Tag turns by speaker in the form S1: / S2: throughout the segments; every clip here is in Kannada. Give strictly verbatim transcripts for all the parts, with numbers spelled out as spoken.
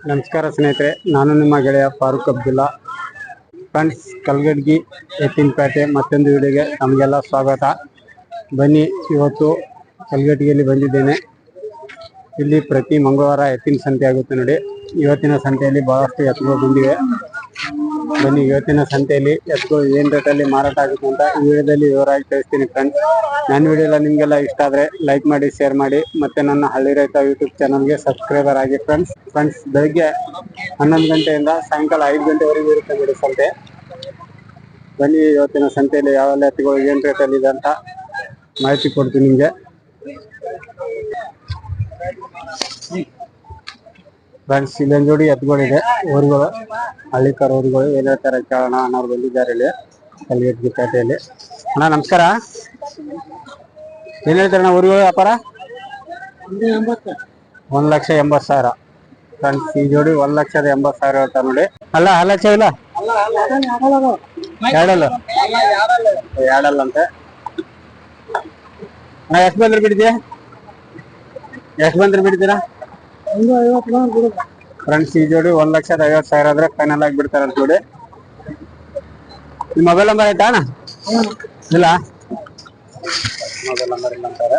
S1: ನಮಸ್ಕಾರ ಸ್ನೇಹಿತರೆ, ನಾನು ನಿಮ್ಮ ಗೆಳೆಯ ಫಾರೂಕ್ ಅಬ್ದುಲ್ಲಾ. ಫ್ರೆಂಡ್ಸ್, ಕಲ್ಗಡ್ಗಿ ಎತ್ತಿನಪೇಟೆ ಮತ್ತೊಂದು ವಿಡಿಯೋಗೆ ನಮಗೆಲ್ಲ ಸ್ವಾಗತ. ಬನ್ನಿ, ಇವತ್ತು ಕಲ್ಗಡ್ಗಿಯಲ್ಲಿ ಬಂದಿದ್ದೇನೆ. ಇಲ್ಲಿ ಪ್ರತಿ ಮಂಗಳವಾರ ಎತ್ತಿನ ಸಂತೆ ಆಗುತ್ತೆ ನೋಡಿ. ಇವತ್ತಿನ ಸಂತೆಯಲ್ಲಿ ಬಹಳಷ್ಟು ಎತ್ತುಗಳು ಬಂದಿವೆ. ಬನ್ನಿ, ಇವತ್ತಿನ ಸಂತೆಯಲ್ಲಿ ಎತ್ತುಗಳು ಏನ್ ರೇಟಲ್ಲಿ ಮಾರಾಟ ಆಗುತ್ತೆ ಅಂತ ಈ ವಿಡಿಯೋದಲ್ಲಿ ವಿವರವಾಗಿ ತಿಳಿಸ್ತೀನಿ. ಫ್ರೆಂಡ್ಸ್, ನನ್ನ ವಿಡಿಯೋ ಎಲ್ಲ ನಿಮಗೆಲ್ಲ ಇಷ್ಟ ಆದರೆ ಲೈಕ್ ಮಾಡಿ, ಶೇರ್ ಮಾಡಿ, ಮತ್ತೆ ನನ್ನ ಹಳ್ಳಿ ರೈತ ಯೂಟ್ಯೂಬ್ ಚಾನಲ್ಗೆ ಸಬ್ಸ್ಕ್ರೈಬರ್ ಆಗಿ. ಫ್ರೆಂಡ್ಸ್ ಫ್ರೆಂಡ್ಸ್ ಬೆಳಗ್ಗೆ ಹನ್ನೊಂದು ಗಂಟೆಯಿಂದ ಸಾಯಂಕಾಲ ಐದು ಗಂಟೆವರೆಗೂ ಇರುತ್ತೆ ನೋಡಿ ಸಂತೆ. ಬನ್ನಿ, ಇವತ್ತಿನ ಸಂತೆಯಲ್ಲಿ ಯಾವೆಲ್ಲ ಎತ್ತುಗಳು ಏನು ರೇಟಲ್ಲಿ ಇದೆ ಅಂತ ಮಾಹಿತಿ ಕೊಡ್ತೀನಿ ನಿಮಗೆ. ಫ್ರೆಂಡ್ಸ್, ಇಲ್ಲೊಂದು ಜೋಡಿ ಎತ್ತುಗಳಿದೆ, ಊರುಗಳು, ಹಳ್ಳಿಕಾರ ಊರುಗಳು. ಏನ್ ಹೇಳ್ತಾರೆ ಕೇಳೋಣ. ಅಣ್ಣವ್ರು ಬಂದಿದ್ದಾರೆ ಇಲ್ಲಿ ಕಲ್ಗಡ್ಗಿ ಪೇಟೆಯಲ್ಲಿ. ಅಣ್ಣ ನಮಸ್ಕಾರ. ಏನ್ ಹೇಳ್ತಾರೆ ಅಣ್ಣ ಊರುಗಳು ವ್ಯಾಪಾರ? ಒಂದ್ ಲಕ್ಷ ಎಂಬತ್ತು ಸಾವಿರ. ಫ್ರೆಂಡ್ಸ್, ಈ ಜೋಡಿ ಒಂದ್ ಲಕ್ಷದ ಎಂಬತ್ತು ಸಾವಿರ ಹೇಳ್ತಾರೆ ನೋಡಿ. ಅಲ್ಲ ಆ ಲಕ್ಷ ಇಲ್ಲ, ಎರಡಲ್ಲ ಎರಡಲ್ಲ ಅಂತೆ. ನಾ ಎಷ್ಟು ಬಂದ್ರೆ ಬಿಡ್ತೀಯ? ಎಷ್ಟು ಬಂದ್ರೆ ಬಿಡ್ತೀರಾ? ಫ್ರೆಂಡ್ಸ್, ಈ ಜೋಡಿ ಒಂದ್ ಲಕ್ಷದ ಐವತ್ತು ಸಾವಿರ ಆದ್ರೆ ಫೈನಲ್ ಆಗಿ ಬಿಡ್ತಾರಂತ ನೋಡಿ. ನಿಮ್ಮ ಮೊಬೈಲ್ ನಂಬರ್ ಆಯ್ತಾ ಅಣ್ಣ? ಇಲ್ಲ, ಮೊಬೈಲ್ ನಂಬರ್ ಇಲ್ಲ ಅಂತಾರೆ.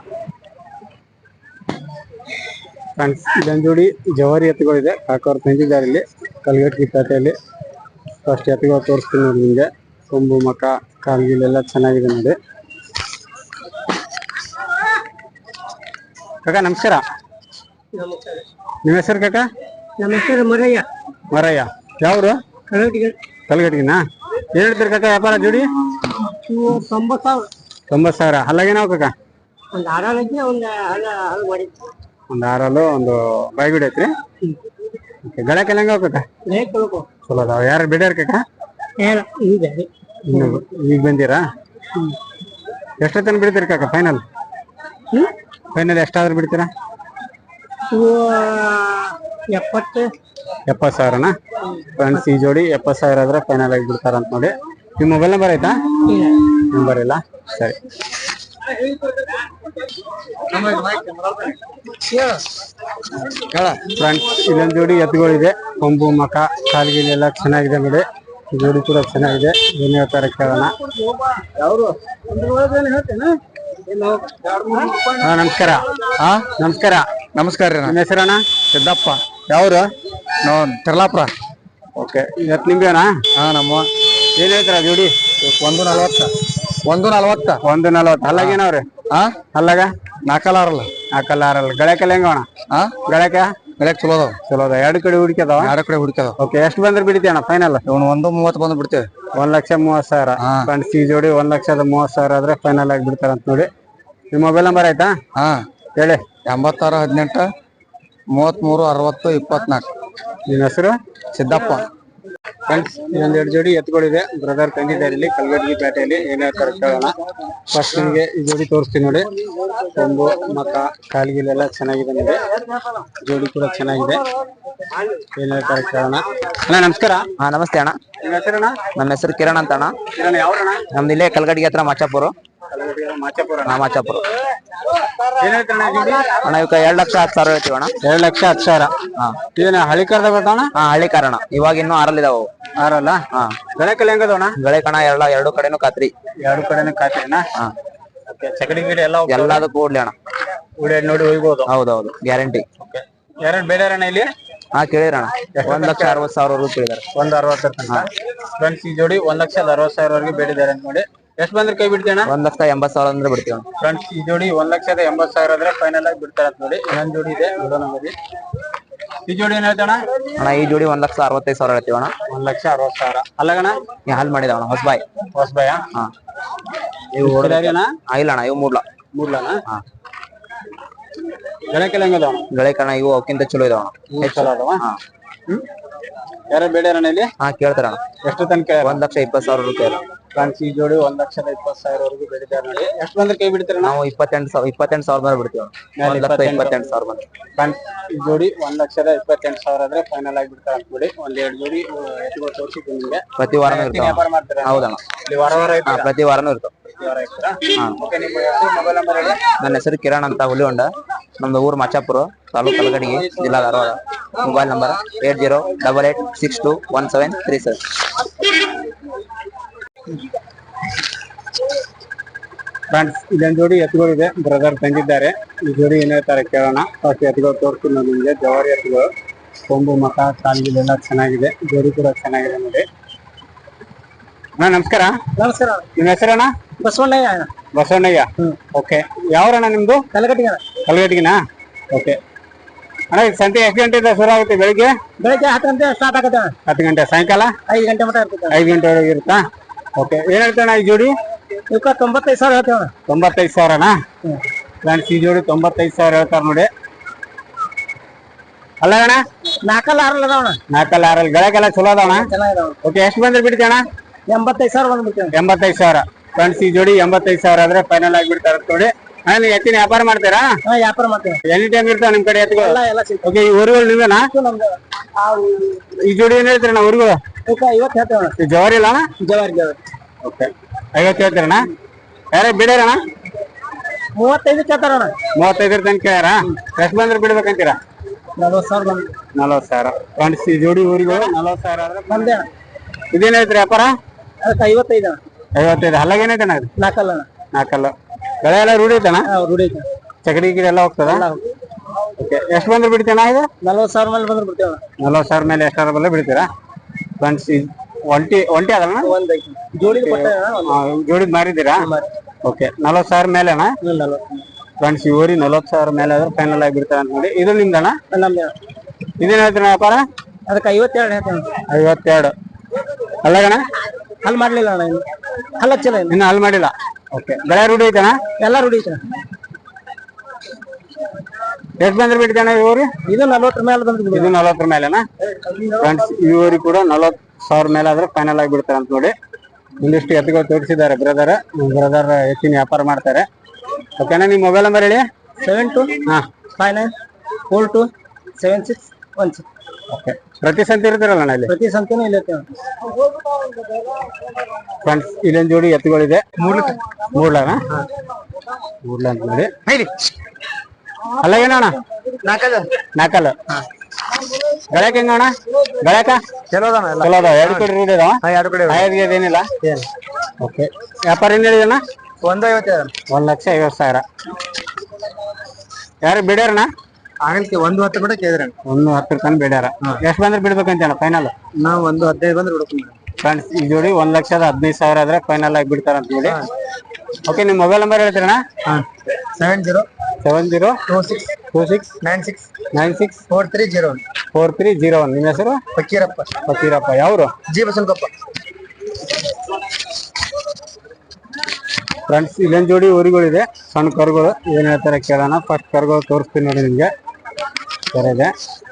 S1: ಫ್ರೆಂಡ್ಸ್, ಇದೊಂದು ಜೋಡಿ ಜವಾರಿ ಎತ್ತುಗಳಿದೆ. ಕಾಕವ್ರು ತಂದಿದ್ದಾರೆ ಇಲ್ಲಿ ಕಲ್ಗಡ್ಗಿ ಪೇಟೆಯಲ್ಲಿ. ಫಸ್ಟ್ ಎತ್ತುಗಳು ತೋರಿಸ್ತೀನಿ ನೋಡಿ ನಿಮಗೆ. ಕೊಂಬು ಮಕ ಕಾಲ್ಗಿಲೆಲ್ಲ ಚೆನ್ನಾಗಿದೆ ನೋಡಿ. ಕಾಕ ನಮಸ್ಕಾರ. ನಿಮ್ಮ ಹೆಸರು ಕಾಕ?
S2: ನಮ್ಮ ಹೆಸರು ಮರಯ್ಯ.
S1: ಮರಯ್ಯ. ಯಾವ್ರು?
S2: ಕಲ್ಗಡ್ಗಿ.
S1: ಕಲ್ಗಡ್ಗಿನಾ? ಏನ್ ಹೇಳ್ತೀರಿ ಕಾಕ ವ್ಯಾಪಾರ ಜೋಡಿ?
S2: ತೊಂಬತ್ತು ಸಾವಿರ.
S1: ತೊಂಬತ್ತು ಸಾವಿರ. ಹಲ್ಲಾಗೇನಾವ್ ಕಾಕ?
S2: ಒಂದು ಆರಾಲ್ ಐತಿ, ಒಂದು ಹಲ್ಲ ಹಲ್ ಮಾಡಿ.
S1: ಒಂದು ಆರಲ್ಲು ಒಂದು ಬಾಯ್ಗುಡಿ ಐತ್ರಿ. ಗಳಕ್ಕೆಲ್ಲ ಹೆಂಗ ಕಾಕ? ಚಲೋ ಅದಾವ. ಯಾರು ಬಿಡ್ಯಾರ ಕಾಕ? ಇನ್ನು ಈಗ ಬಂದಿರಾ? ಎಷ್ಟೊತ್ತನ ಬಿಡ್ತೀರಿ ಕಾಕ ಫೈನಲ್? ಫೈನಲ್ ಎಷ್ಟಾದ್ರೂ ಬಿಡ್ತೀರಾ?
S2: ಎಪ್ಪತ್ತು
S1: ಎಪ್ಪತ್ತು ಸಾವಿರನಾ? ಫ್ರೆಂಡ್ಸ್, ಈ ಜೋಡಿ ಎಪ್ಪತ್ತು ಸಾವಿರ ಆದ್ರೆ ಫೈನಲ್ ಆಗಿ ಬಿಡ್ತಾರಂತ ನೋಡಿ. ನಿಮ್ಮ ಮೊಬೈಲ್ ನಂಬರ್ ಆಯ್ತಾ? ನಂಬರ್ ಇಲ್ಲ, ಸರಿ. ಫ್ರೆಂಡ್ಸ್, ಇಲ್ಲೊಂದು ಜೋಡಿ ಎತ್ತುಗಳಿದೆ. ಕೊಂಬು ಮಕ ಕಾಲ್ಗಿಲೆಲ್ಲ ಚೆನ್ನಾಗಿದೆ ನೋಡಿ. ಜೋಡಿ ಕೂಡ ಚೆನ್ನಾಗಿದೆ. ಏನ್ ಹೇಳ್ತಾರೆ ಕೇಳೋಣ. ಹಾ ನಮಸ್ಕಾರ. ಹಾ ನಮಸ್ಕಾರ. ನಮಸ್ಕಾರ ರೀ. ನಿಮ್ಮ ಹೆಸರಣ್ಣ? ಸಿದ್ದಪ್ಪ. ಯಾವ್ರು? ನಾವು ತೆರ್ಲಾಪುರ. ಓಕೆ. ಇವತ್ತು ನಿಮ್ಗೇನಾ? ಹಾ ನಮ್ಮ. ಏನ್ ಹೇಳ್ತಾರ ಜೋಡಿ? ಒಂದು ನಲ್ವತ್ತ. ಒಂದು ನಲ್ವತ್ತ. ಒಂದು ನಲ್ವತ್ತು. ಹಲ್ಲಾಗ ಏನವ್ರಿ? ಹಾ ಹಲ್ಲಾಗ ನಾಲ್ಕಲ್ಲ ಆರಲ್ಲ. ನಾಲ್ಕಲ್ಲ ಆರಲ್ಲ. ಗಳಕ್ಕೆಲ್ಲ ಹೆಂಗವಣ? ಹಾ ಗಳಕ ಗಳಕ್ ಚಲೋ ಅದಾವ. ಚಲೋ ಅದಾವ. ಎರಡು ಕಡೆ ಹುಡುಕದಾವ. ಎರಡು ಕಡೆ ಹುಡುಕದಾವ. ಓಕೆ. ಎಷ್ಟು ಬಂದ್ರೆ ಬಿಡ್ತೀಯ ಅಣ್ಣ ಫೈನಲ್? ಇವನು ಒಂದು ಮೂವತ್ತು ಬಂದು ಬಿಡ್ತೇವೆ. ಒಂದ್ ಲಕ್ಷ ಮೂವತ್ತು ಸಾವಿರ. ಫ್ರೆಂಡ್ಸ್, ಈ ಜೋಡಿ ಒಂದ್ ಲಕ್ಷದ ಮೂವತ್ತು ಸಾವಿರ ಆದ್ರೆ ಫೈನಲ್ ಆಗಿ ಬಿಡ್ತಾರಂತ ನೋಡಿ. ನಿಮ್ಮ ಮೊಬೈಲ್ ನಂಬರ್ ಆಯ್ತಾ? ಹಾ ಹೇಳಿ. ಎಂಬತ್ತಾರು ಹದಿನೆಂಟು ಮೂವತ್ಮೂರು ಅರವತ್ತು ಇಪ್ಪತ್ನಾಲ್ಕು. ನಿಮ್ಮ ಹೆಸರು? ಸಿದ್ದಪ್ಪ. ಫ್ರೆಂಡ್ಸ್, ಇದೊಂದೆರಡು ಜೋಡಿ ಎತ್ತುಗಳಿದೆ. ಬ್ರದರ್ ತಂದಿದ್ದಾರೆ ಇಲ್ಲಿ ಕಲ್ಗಡ್ಗಿ ಪೇಟೆಯಲ್ಲಿ. ಏನ್ ಹೇಳ್ತಾರೆ ಕೇಳೋಣ. ಫಸ್ಟ್ ನಿಮಗೆ ಈ ಜೋಡಿ ತೋರಿಸ್ತೀನಿ ನೋಡಿ. ಕೊಂಬು ಮಕ ಕಾಲ್ಗಿಲೆಲ್ಲ ಚೆನ್ನಾಗಿದೆ ನೋಡಿ. ಜೋಡಿ ಕೂಡ ಚೆನ್ನಾಗಿದೆ. ಏನ್ ಹೇಳ್ತಾರೆ ಕೇಳೋಣ. ಅಣ್ಣ ನಮಸ್ಕಾರ.
S3: ಹಾ ನಮಸ್ತೆ ಅಣ್ಣ.
S1: ನಿಮ್ಮ ಹೆಸರಣ್ಣ?
S3: ನಮ್ಮ ಹೆಸರು ಕಿರಣ್ ಅಂತ ಅಣ್ಣ.
S1: ಕಿರಣ್ ಯಾವ್ರಣ್ಣ?
S3: ನಮ್ದು ಇಲ್ಲೇ ಕಲ್ಗಡ್ಗಿ ಹತ್ರ ಮಾಚಾಪುರ.
S1: ಮಾಚಾಪುರ.
S3: ಹಾ ಮಾಚಾಪುರ.
S1: ಏನ್ ಹೇಳ್ತಾರಣ್ಣ ಜೋಡಿ?
S3: ಅಣ್ಣ ಇವಕ್ಕೆ ಎರಡ್ ಲಕ್ಷ ಹತ್ತು ಸಾವಿರ ಹೇಳ್ತೀವಿ ಅಣ್ಣ.
S1: ಎರಡ್ ಲಕ್ಷ ಹತ್ತು ಸಾವಿರ. ಹಾ ಏನ ಹಳ್ಳಿ ಕರ್ದ ಬರ್ತಾವಣ?
S3: ಹಾ ಹಳ್ಳಿ ಕಾರಣ. ಇವಾಗ ಇನ್ನೂ ಆರಲ್ಲಿದಾವ.
S1: ಆರಲ್ಲ? ಹಾ ಗಳಕ್ಕೆಲ್ಲ ಹೆಂಗದವಣ?
S3: ಗಳೆ ಕಣ ಎಲ್ಲ ಎರಡು ಕಡೆನೂ ಖಾತ್ರಿ.
S1: ಎರಡು ಕಡೆನೂ ಖಾತ್ರಿನಾ? ಹಾ ಚಕಡಿ ಗಿಡಿ ಎಲ್ಲ
S3: ಎಲ್ಲದಕ್ಕೂ ಓಡ್ಲಿ ಅಣ್ಣ.
S1: ಉಡಿ ನೋಡಿ ಹೋಗ್ಬೋದು.
S3: ಹೌದೌದು, ಗ್ಯಾರಂಟಿ.
S1: ಯಾರು ಬೇಡಾರಣ್ಣ ಇಲ್ಲಿ?
S3: ಹಾ ಕೇಳಿರಣ್ಣ. ಒಂದ್ ಲಕ್ಷ ಅರವತ್ತು ಸಾವಿರವರೆಗೂ ಕೇಳಿದಾರೆ.
S1: ಒಂದ್ ಅರವತ್ತರ ತನಕ. ಫ್ರೆಂಡ್ಸ್, ಈ ಜೋಡಿ ಒಂದ್ ಲಕ್ಷದ ಅರವತ್ತು ಸಾವಿರವರೆಗೂ ಬೇಡಿದ್ದಾರೆ ಅಂತ ನೋಡಿ. ಎಷ್ಟು ಬಂದ್ರೆ ಕೈ ಬಿಡ್ತೀಯಣ್ಣ?
S3: ಒಂದ್ ಲಕ್ಷ ಎಂಬತ್ತು ಸಾವಿರ ಅಂದ್ರೆ ಬಿಡ್ತೀವಿ.
S1: ಫ್ರೆಂಡ್ಸ್, ಈ ಜೋಡಿ ಒಂದ್ ಲಕ್ಷದ ಎಂಬತ್ತು ಸಾವಿರ ಆದ್ರೆ ಫೈನಲ್ ಆಗಿ ಬಿಡ್ತಾರೆ ಅಂತ ನೋಡಿ. ಇನ್ನೊಂದ್ ಜೋಡಿ ಇದೆ ನಮ್ಮಲ್ಲಿ. ಈ ಜೋಡಿ ಏನ್ ಹೇಳ್ತಾಣ?
S3: ಅಣ್ಣ ಈ ಜೋಡಿ ಒಂದ್ ಲಕ್ಷ ಅರವತ್ತೈದು ಸಾವಿರ ಹೇಳ್ತೀವಿ ಅಣ್ಣ.
S1: ಒಂದ್ ಲಕ್ಷ ಅರವತ್ತು ಸಾವಿರ. ಅಲ್ಲಗಣ
S3: ನೀ ಹಾಲ್ ಮಾಡಿದವಣ ಹೊಸಬಾಯ್.
S1: ಹೊಸಬಾಯ? ಹಾ.
S3: ಇವು
S1: ಇಲ್ಲ
S3: ಅಣ್ಣ, ಇವು ಮೂಡ್ಲ.
S1: ಮೂಡ್ಲನ? ಹಾ. ಗಳಕ್ಕೆಲ್ಲ ಹೆಂಗದವ?
S3: ಗಳೆ ಕಣ ಇವು ಅವಕ್ಕಿಂತ ಚಲೋ ಇದಾವಣ.
S1: ಚಲೋ ಅದಾವ? ಹ್ಮ್. ಯಾರ ಬೇಡಾರಣ್ಣ ಇಲ್ಲಿ?
S3: ಹಾ ಕೇಳ್ತಾರಣ್ಣ.
S1: ಎಷ್ಟು ತನಕ?
S3: ಒಂದ್ ಲಕ್ಷ ಇಪ್ಪತ್ತು ಸಾವಿರ ರೂಪಾಯಿ.
S1: ಫ್ರೆಂಡ್ಸ್, ಈ ಜೋಡಿ ಒಂದ್ ಲಕ್ಷದ ಇಪ್ಪತ್ತು ಸಾವಿರವರೆಗೂ ಬೇಡಿದ್ದಾರೆ ನೋಡಿ. ಎಷ್ಟು ಬಂದ್ರೆ ಕೈ ಬಿಡ್ತೀರ?
S3: ನಾವು ಇಪ್ಪತ್ತೆಂಟು ಸಾವಿರ ಇಪ್ಪತ್ತೆಂಟು ಸಾವಿರ ಮೇಲೆ ಬಿಡ್ತೀವಿ. ಒಂದ್ ಲಕ್ಷ ಇಪ್ಪತ್ತೆಂಟು ಸಾವಿರ ಬಂದ್ರೆ.
S1: ಫ್ರೆಂಡ್ಸ್, ಈ ಜೋಡಿ ಒಂದ್ ಲಕ್ಷದ ಇಪ್ಪತ್ತೆಂಟು ಸಾವಿರ ಆದ್ರೆ ಫೈನಲ್ ಆಗಿ ಬಿಡ್ತಾರೆ ಅಂತ ನೋಡಿ. ಒಂದ್ ಎರಡು ಜೋಡಿ ಎತ್ತುಗಳು ತೋರಿಸಿದ್ದೀನಿ ನಿಮ್ಗೆ.
S3: ಪ್ರತಿ ವಾರನೂ ಇರ್ತಾವ.
S1: ವ್ಯಾಪಾರ ಮಾಡ್ತಾರೆ?
S3: ಹೌದಣ್ಣ.
S1: ವಾರ ವಾರ
S3: ಪ್ರತಿ ವಾರನೂ ಇರ್ತಾವ. ನನ್ನ ಹೆಸರು ಕಿರಣ್ ಅಂತ ಹುಲಿಹೊಂಡ. ನಮ್ದು ಊರು ಮಾಚಾಪುರ, ತಾಲೂಕು ಕಲಗಡ್ಗಿ, ಜಿಲ್ಲಾ Dharwad. Mobile number eight zero double eight six two one seven three seven.
S1: Friends ಇದೊಂದು ಜೋಡಿ ಎತ್ತುಗಳಿದೆ, ಬ್ರದರ್ ತಂದಿದ್ದಾರೆ. ಈ ಜೋಡಿ ಏನ್ ಹೇಳ್ತಾರೆ ಕೇಳೋಣ. ಫಸ್ಟ್ ಎತ್ತುಗಳು ತೋರಿಸ್ತೀನಿ ನಾನು ನಿಮಗೆ. ಜವಾರಿ ಎತ್ತುಗಳು, ಕೊಂಬು ಮಕ ಕಾಲಿಗೆಲ್ಲ ಚೆನ್ನಾಗಿದೆ, ಜೋಡಿ ಕೂಡ ಚೆನ್ನಾಗಿದೆ ನೋಡಿ. ಅಣ್ಣ ನಮಸ್ಕಾರ.
S2: ನಮಸ್ಕಾರ.
S1: ನಿಮ್ಮ ಹೆಸರಣ್ಣ?
S2: ಬಸವಣ್ಣಯ್ಯ.
S1: ಬಸವಣ್ಣಯ್ಯ. ಓಕೆ. ಯಾವ್ರಣ್ಣ ನಿಮ್ದು?
S2: ಕಲಗಟ್ಟಿಗೆ.
S1: ಕಲ್ಗಟ್ಟಿಗಿನಾ? ಓಕೆ ಅಣ್ಣ. ಈಗ ಸಂತೆ ಎಷ್ಟು ಗಂಟೆಯಿಂದ ಶುರು ಆಗುತ್ತೆ? ಬೆಳಿಗ್ಗೆ
S2: ಬೆಳಿಗ್ಗೆ ಹತ್ತು ಗಂಟೆ ಸ್ಟಾರ್ಟ್ ಆಗುತ್ತೆ.
S1: ಹತ್ತು ಗಂಟೆ. ಸಾಯಂಕಾಲ
S2: ಐದು ಗಂಟೆ ಮಟ್ಟ ಇರ್ತದೆ.
S1: ಐದು ಗಂಟೆವರೆಗೆ ಇರುತ್ತಾ? ಓಕೆ. ಏನ್ ಹೇಳ್ತಾಣ ಈ ಜೋಡಿ?
S2: ಇವಕ್ಕ ತೊಂಬತ್ತೈದು ಸಾವಿರ ಹೇಳ್ತೇವೆ.
S1: ತೊಂಬತ್ತೈದು ಸಾವಿರನಾ? ಫ್ರೆಂಡ್ಸ್ ಈ ಜೋಡಿ ತೊಂಬತ್ತೈದು ಸಾವಿರ ಹೇಳ್ತಾರ ನೋಡಿ. ಅಲ್ಲ ಅಣ್ಣ,
S2: ನಾಲ್ಕಲ್ಲ ಆರಲ್ಲ ಅದಾವಣ.
S1: ನಾಲ್ಕಲ್ಲ ಆರಲ್ಲಿ ಗಳಕ್ಕೆಲ್ಲ ಚಲೋ ಅದಾವಣ?
S2: ಚೆನ್ನಾಗಿದಾವ.
S1: ಓಕೆ. ಎಷ್ಟು ಬಂದ್ರೆ ಬಿಡ್ತೀಯಣ್ಣ?
S2: ಎಂಬತ್ತೈದು ಸಾವಿರ ಬಂದ್ಬಿಡ್ತೇವೆ.
S1: ಎಂಬತ್ತೈದು ಸಾವಿರ. ಫ್ರೆಂಡ್ಸ್ ಈ ಜೋಡಿ ಎಂಬತ್ತೈದು ಸಾವಿರ ಆದ್ರೆ ಫೈನಲ್ ಆಗಿಬಿಡ್ತಾರ ನೋಡಿ. ಅಣ್ಣ ನೀವು ಎತ್ತಿನ ವ್ಯಾಪಾರ ಮಾಡ್ತೀರಾ?
S2: ಹಾ, ವ್ಯಾಪಾರ ಮಾಡ್ತೇವೆ.
S1: ಎನಿ ಟೈಮ್ ಇರ್ತಾವ ನಿಮ್ ಕಡೆ ಎತ್ತುಗಳು?
S2: ಎಲ್ಲ ಎಲ್ಲ ಸಿಗ್ತದೆ.
S1: ಓಕೆ. ಈ ಊರುಗಳು ನೀವೇನಾ?
S2: ನಮ್ದು
S1: ಈ ಜೋಡಿ ಏನ್ ಹೇಳ್ತೀರಣ್ಣ ಊರುಗಳು?
S2: ಇವಕ್ಕ ಐವತ್ತು ಹೇಳ್ತೇವೆ.
S1: ಈ ಜವಾರಿ ಇಲ್ಲ ಅಣ್ಣ?
S2: ಜವಾರಿ ಜವಾರಿ.
S1: ಓಕೆ. ಐವತ್ತು ಹೇಳ್ತೀರಣ್ಣ? ಯಾರೇ ಬಿಡ್ಯಾರಣ್ಣ?
S2: ಮೂವತ್ತೈದು ಕೇಳ್ತಾರಣ.
S1: ಮೂವತ್ತೈದರ ತನಕ ಕೇಳ್ಯಾರ? ಎಷ್ಟು ಬಂದ್ರೆ ಬಿಡ್ಬೇಕಂತೀರಾ?
S2: ನಲ್ವತ್ತು ಸಾವಿರ ಬಂದು.
S1: ನಲ್ವತ್ತು ಸಾವಿರ. ಫ್ರೆಂಡ್ಸ್ ಈ ಜೋಡಿ ಊರುಗಳು ನಲ್ವತ್ತು ಸಾವಿರ ಆದ್ರೆ
S2: ಬಂದೆ.
S1: ಇದೇನ್ ಹೇಳ್ತೀರಿ ವ್ಯಾಪಾರ?
S2: ಅದಕ್ಕೆ ಐವತ್ತೈದು.
S1: ಐವತ್ತೈದು. ಹಲ್ಲಾಗ ಏನೈತಣ್ಣ?
S2: ನಾಲ್ಕಲ್ಲ.
S1: ನಾಲ್ಕಲ್ಲ. ಬೆಳೆ ಎಲ್ಲ ರೂಢಿ ಐತಣ್ಣ?
S2: ರೂಢಿ ಐತೆ.
S1: ಚಕಡಿ ಗಿಡಿ ಎಲ್ಲ ಹೋಗ್ತದ? ಓಕೆ. ಎಷ್ಟು ಬಂದ್ರೆ ಬಿಡ್ತೀನ ಇದು?
S2: ನಲ್ವತ್ತು ಸಾವಿರ ಮೇಲೆ ಬಂದ್ರೆ ಬಿಡ್ತೇವೆ.
S1: ನಲ್ವತ್ತು ಸಾವಿರ ಮೇಲೆ ಎಷ್ಟಾರ ಬಲ್ಲ ಬಿಡ್ತೀರಾ? ಫ್ರೆಂಡ್ಸ್ ಒಂಟಿ ಒಂಟಿ ಅದಲ್ಲ?
S2: ಒಂದ್ ಐತಿ. ಜೋಡಿ
S1: ಜೋಡಿದ್ ಮಾರಿದ್ದೀರಾ? ಓಕೆ. ನಲ್ವತ್ತು ಸಾವಿರ ಮೇಲೆ ಅಣ್ಣ? ಫ್ರೆಂಡ್ಸ್ ಈ ಊರಿ ನಲ್ವತ್ತು ಸಾವಿರ ಮೇಲೆ ಆದ್ರೆ ಫೈನಲ್ ಆಗಿ ಬಿಡ್ತಾರೆ ಅಂತ ನೋಡಿ. ಇದು ನಿಮ್ದಣ್ಣ?
S2: ನಮ್ದು.
S1: ಇದೇನ್ ಹೇಳ್ತೀರ ವ್ಯಾಪಾರ?
S2: ಅದಕ್ಕೆ ಐವತ್ತೆರಡು ಹೇಳ್ತೇವೆ.
S1: ಐವತ್ತೆರಡು. ಅಲ್ಲಗಣ?
S2: ಅಲ್ಲಿ ಮಾಡ್ಲಿಲ್ಲ ಅಣ್ಣ. ಇನ್ನು ಹಲ್ಲ ಚಲ
S1: ಇನ್ನು ಅಲ್ಲಿ ಮಾಡಿಲ್ಲ. ಓಕೆ. ಬೆಳೆ ರೂಢಿ ಐತಣ್ಣ?
S2: ಎಲ್ಲ ರೂಢಿ ಐತೆ.
S1: ಎಷ್ಟು ಬಂದ್ರೆ ಬಿಡ್ತಾನ ಈ ಊರಿ?
S2: ಇದು ನಲ್ವತ್ತರ ಮೇಲೆ ಬಂದ್ರೆ
S1: ಇದು ನಲ್ವತ್ತರ ಮೇಲೆನಾ? ಫ್ರೆಂಡ್ಸ್ ಈ ಊರಿ ಕೂಡ ನಲ್ವತ್ತು ಸಾವಿರ ಮೇಲೆ ಆದ್ರೆ ಫೈನಲ್ ಆಗಿ ಬಿಡ್ತಾರೆ ಅಂತ ನೋಡಿ. ಒಂದಿಷ್ಟು ಎತ್ತುಗಳು ತೋರಿಸಿದ್ದಾರೆ ಬ್ರದರ್. ಬ್ರದರ್ ಎತ್ತಿನ ವ್ಯಾಪಾರ ಮಾಡ್ತಾರೆ. ಓಕೆನಾ? ನಿಮ್ಮ ಮೊಬೈಲ್ ನಂಬರ್ ಹೇಳಿ.
S2: ಸೆವೆನ್ ಟು
S1: ಹಾ
S2: five nine four two seven six one six.
S1: Okay. ಪ್ರತಿ ಸಂತೆ ಇರ್ತೀರಲ್ಲ ಅಣ್ಣ ಇಲ್ಲಿ?
S2: ಪ್ರತಿ ಸಂತೆನೂ ಇಲ್ಲತ್ತೇವೆ.
S1: ಫ್ರೆಂಡ್ಸ್ ಇಲ್ಲೊಂದು ಜೋಡಿ ಎತ್ತುಗಳಿದೆ. ಮೂಡ್ಲನ? ಮೂಡ್ಲ ಅಂತ ನೋಡಿ. ಅಲ್ಲ ಏನಣ್ಣ?
S2: ನಾಲ್ಕಲ್ಲ.
S1: ನಾಲ್ಕಲ್ಲ. ಗಳಕ್ ಹೆಂಗ ಅಣ್ಣ? ಗಳಕ
S2: ಚಲೋ ಅದಾನ.
S1: ಚಲೋ ಅದಾವ. ಎರಡು ಕಡೆ ರೂಢಿ ಅದಾವ?
S2: ಎರಡು ಕಡೆ
S1: ಏನಿಲ್ಲ. ಓಕೆ. ವ್ಯಾಪಾರ ಏನ್ ಹೇಳಿದಣ್ಣ?
S2: ಒಂದು ಐವತ್ತೇಳು.
S1: ಒಂದ್ ಲಕ್ಷ ಐವತ್ತು ಸಾವಿರ. ಯಾರು ಬಿಡ್ಯಾರಣ್ಣ?
S2: ಆಗಲ್ಕೆ ಒಂದು ಹತ್ತು ಬಿಡ ಕೇಳಿದ್ರಿ.
S1: ಒಂದು ಹತ್ತರ ತನಕ ಬಿಡ್ಯಾರ. ಎಷ್ಟು ಬಂದ್ರೆ ಬಿಡ್ಬೇಕಂತ ಫೈನಲ್?
S2: ನಾವು ಒಂದು ಹದಿನೈದು ಬಂದ್ರೆ ಬಿಡ್ತೀವಿ.
S1: ಫ್ರೆಂಡ್ಸ್ ಈ ಜೋಡಿ ಒಂದ್ ಲಕ್ಷದ ಹದಿನೈದು ಸಾವಿರ ಆದ್ರೆ ಫೈನಲ್ ಆಗಿ ಬಿಡ್ತಾರ ಅಂತ ನೋಡಿ. ಓಕೆ. ನಿಮ್ ಮೊಬೈಲ್ ನಂಬರ್ ಹೇಳ್ತೀರಣ್ಣ?
S2: Seven zero
S1: seven zero
S2: two six
S1: two six
S2: nine six
S1: nine six
S2: four three zero one
S1: four three zero one. ನಿಮ್ಮ ಹೆಸರು?
S2: ಫಕೀರಪ್ಪ.
S1: ಫಕೀರಪ್ಪ. ಯಾವ್ರು?
S2: ಜಿ ಬಸವನಕೊಪ್ಪ.
S1: ಫ್ರೆಂಡ್ಸ್ ಇಲ್ಲೊಂದು ಜೋಡಿ ಊರುಗಳಿದೆ, ಸಣ್ಣ ಕರುಗಳು. ಏನ್ ಹೇಳ್ತಾರೆ ಕೇಳೋಣ. ಫಸ್ಟ್ ಕರುಗಳು ತೋರಿಸ್ತೀನಿ ನೋಡಿ ನಿಮ್ಗೆ. ಸರಿದೆ.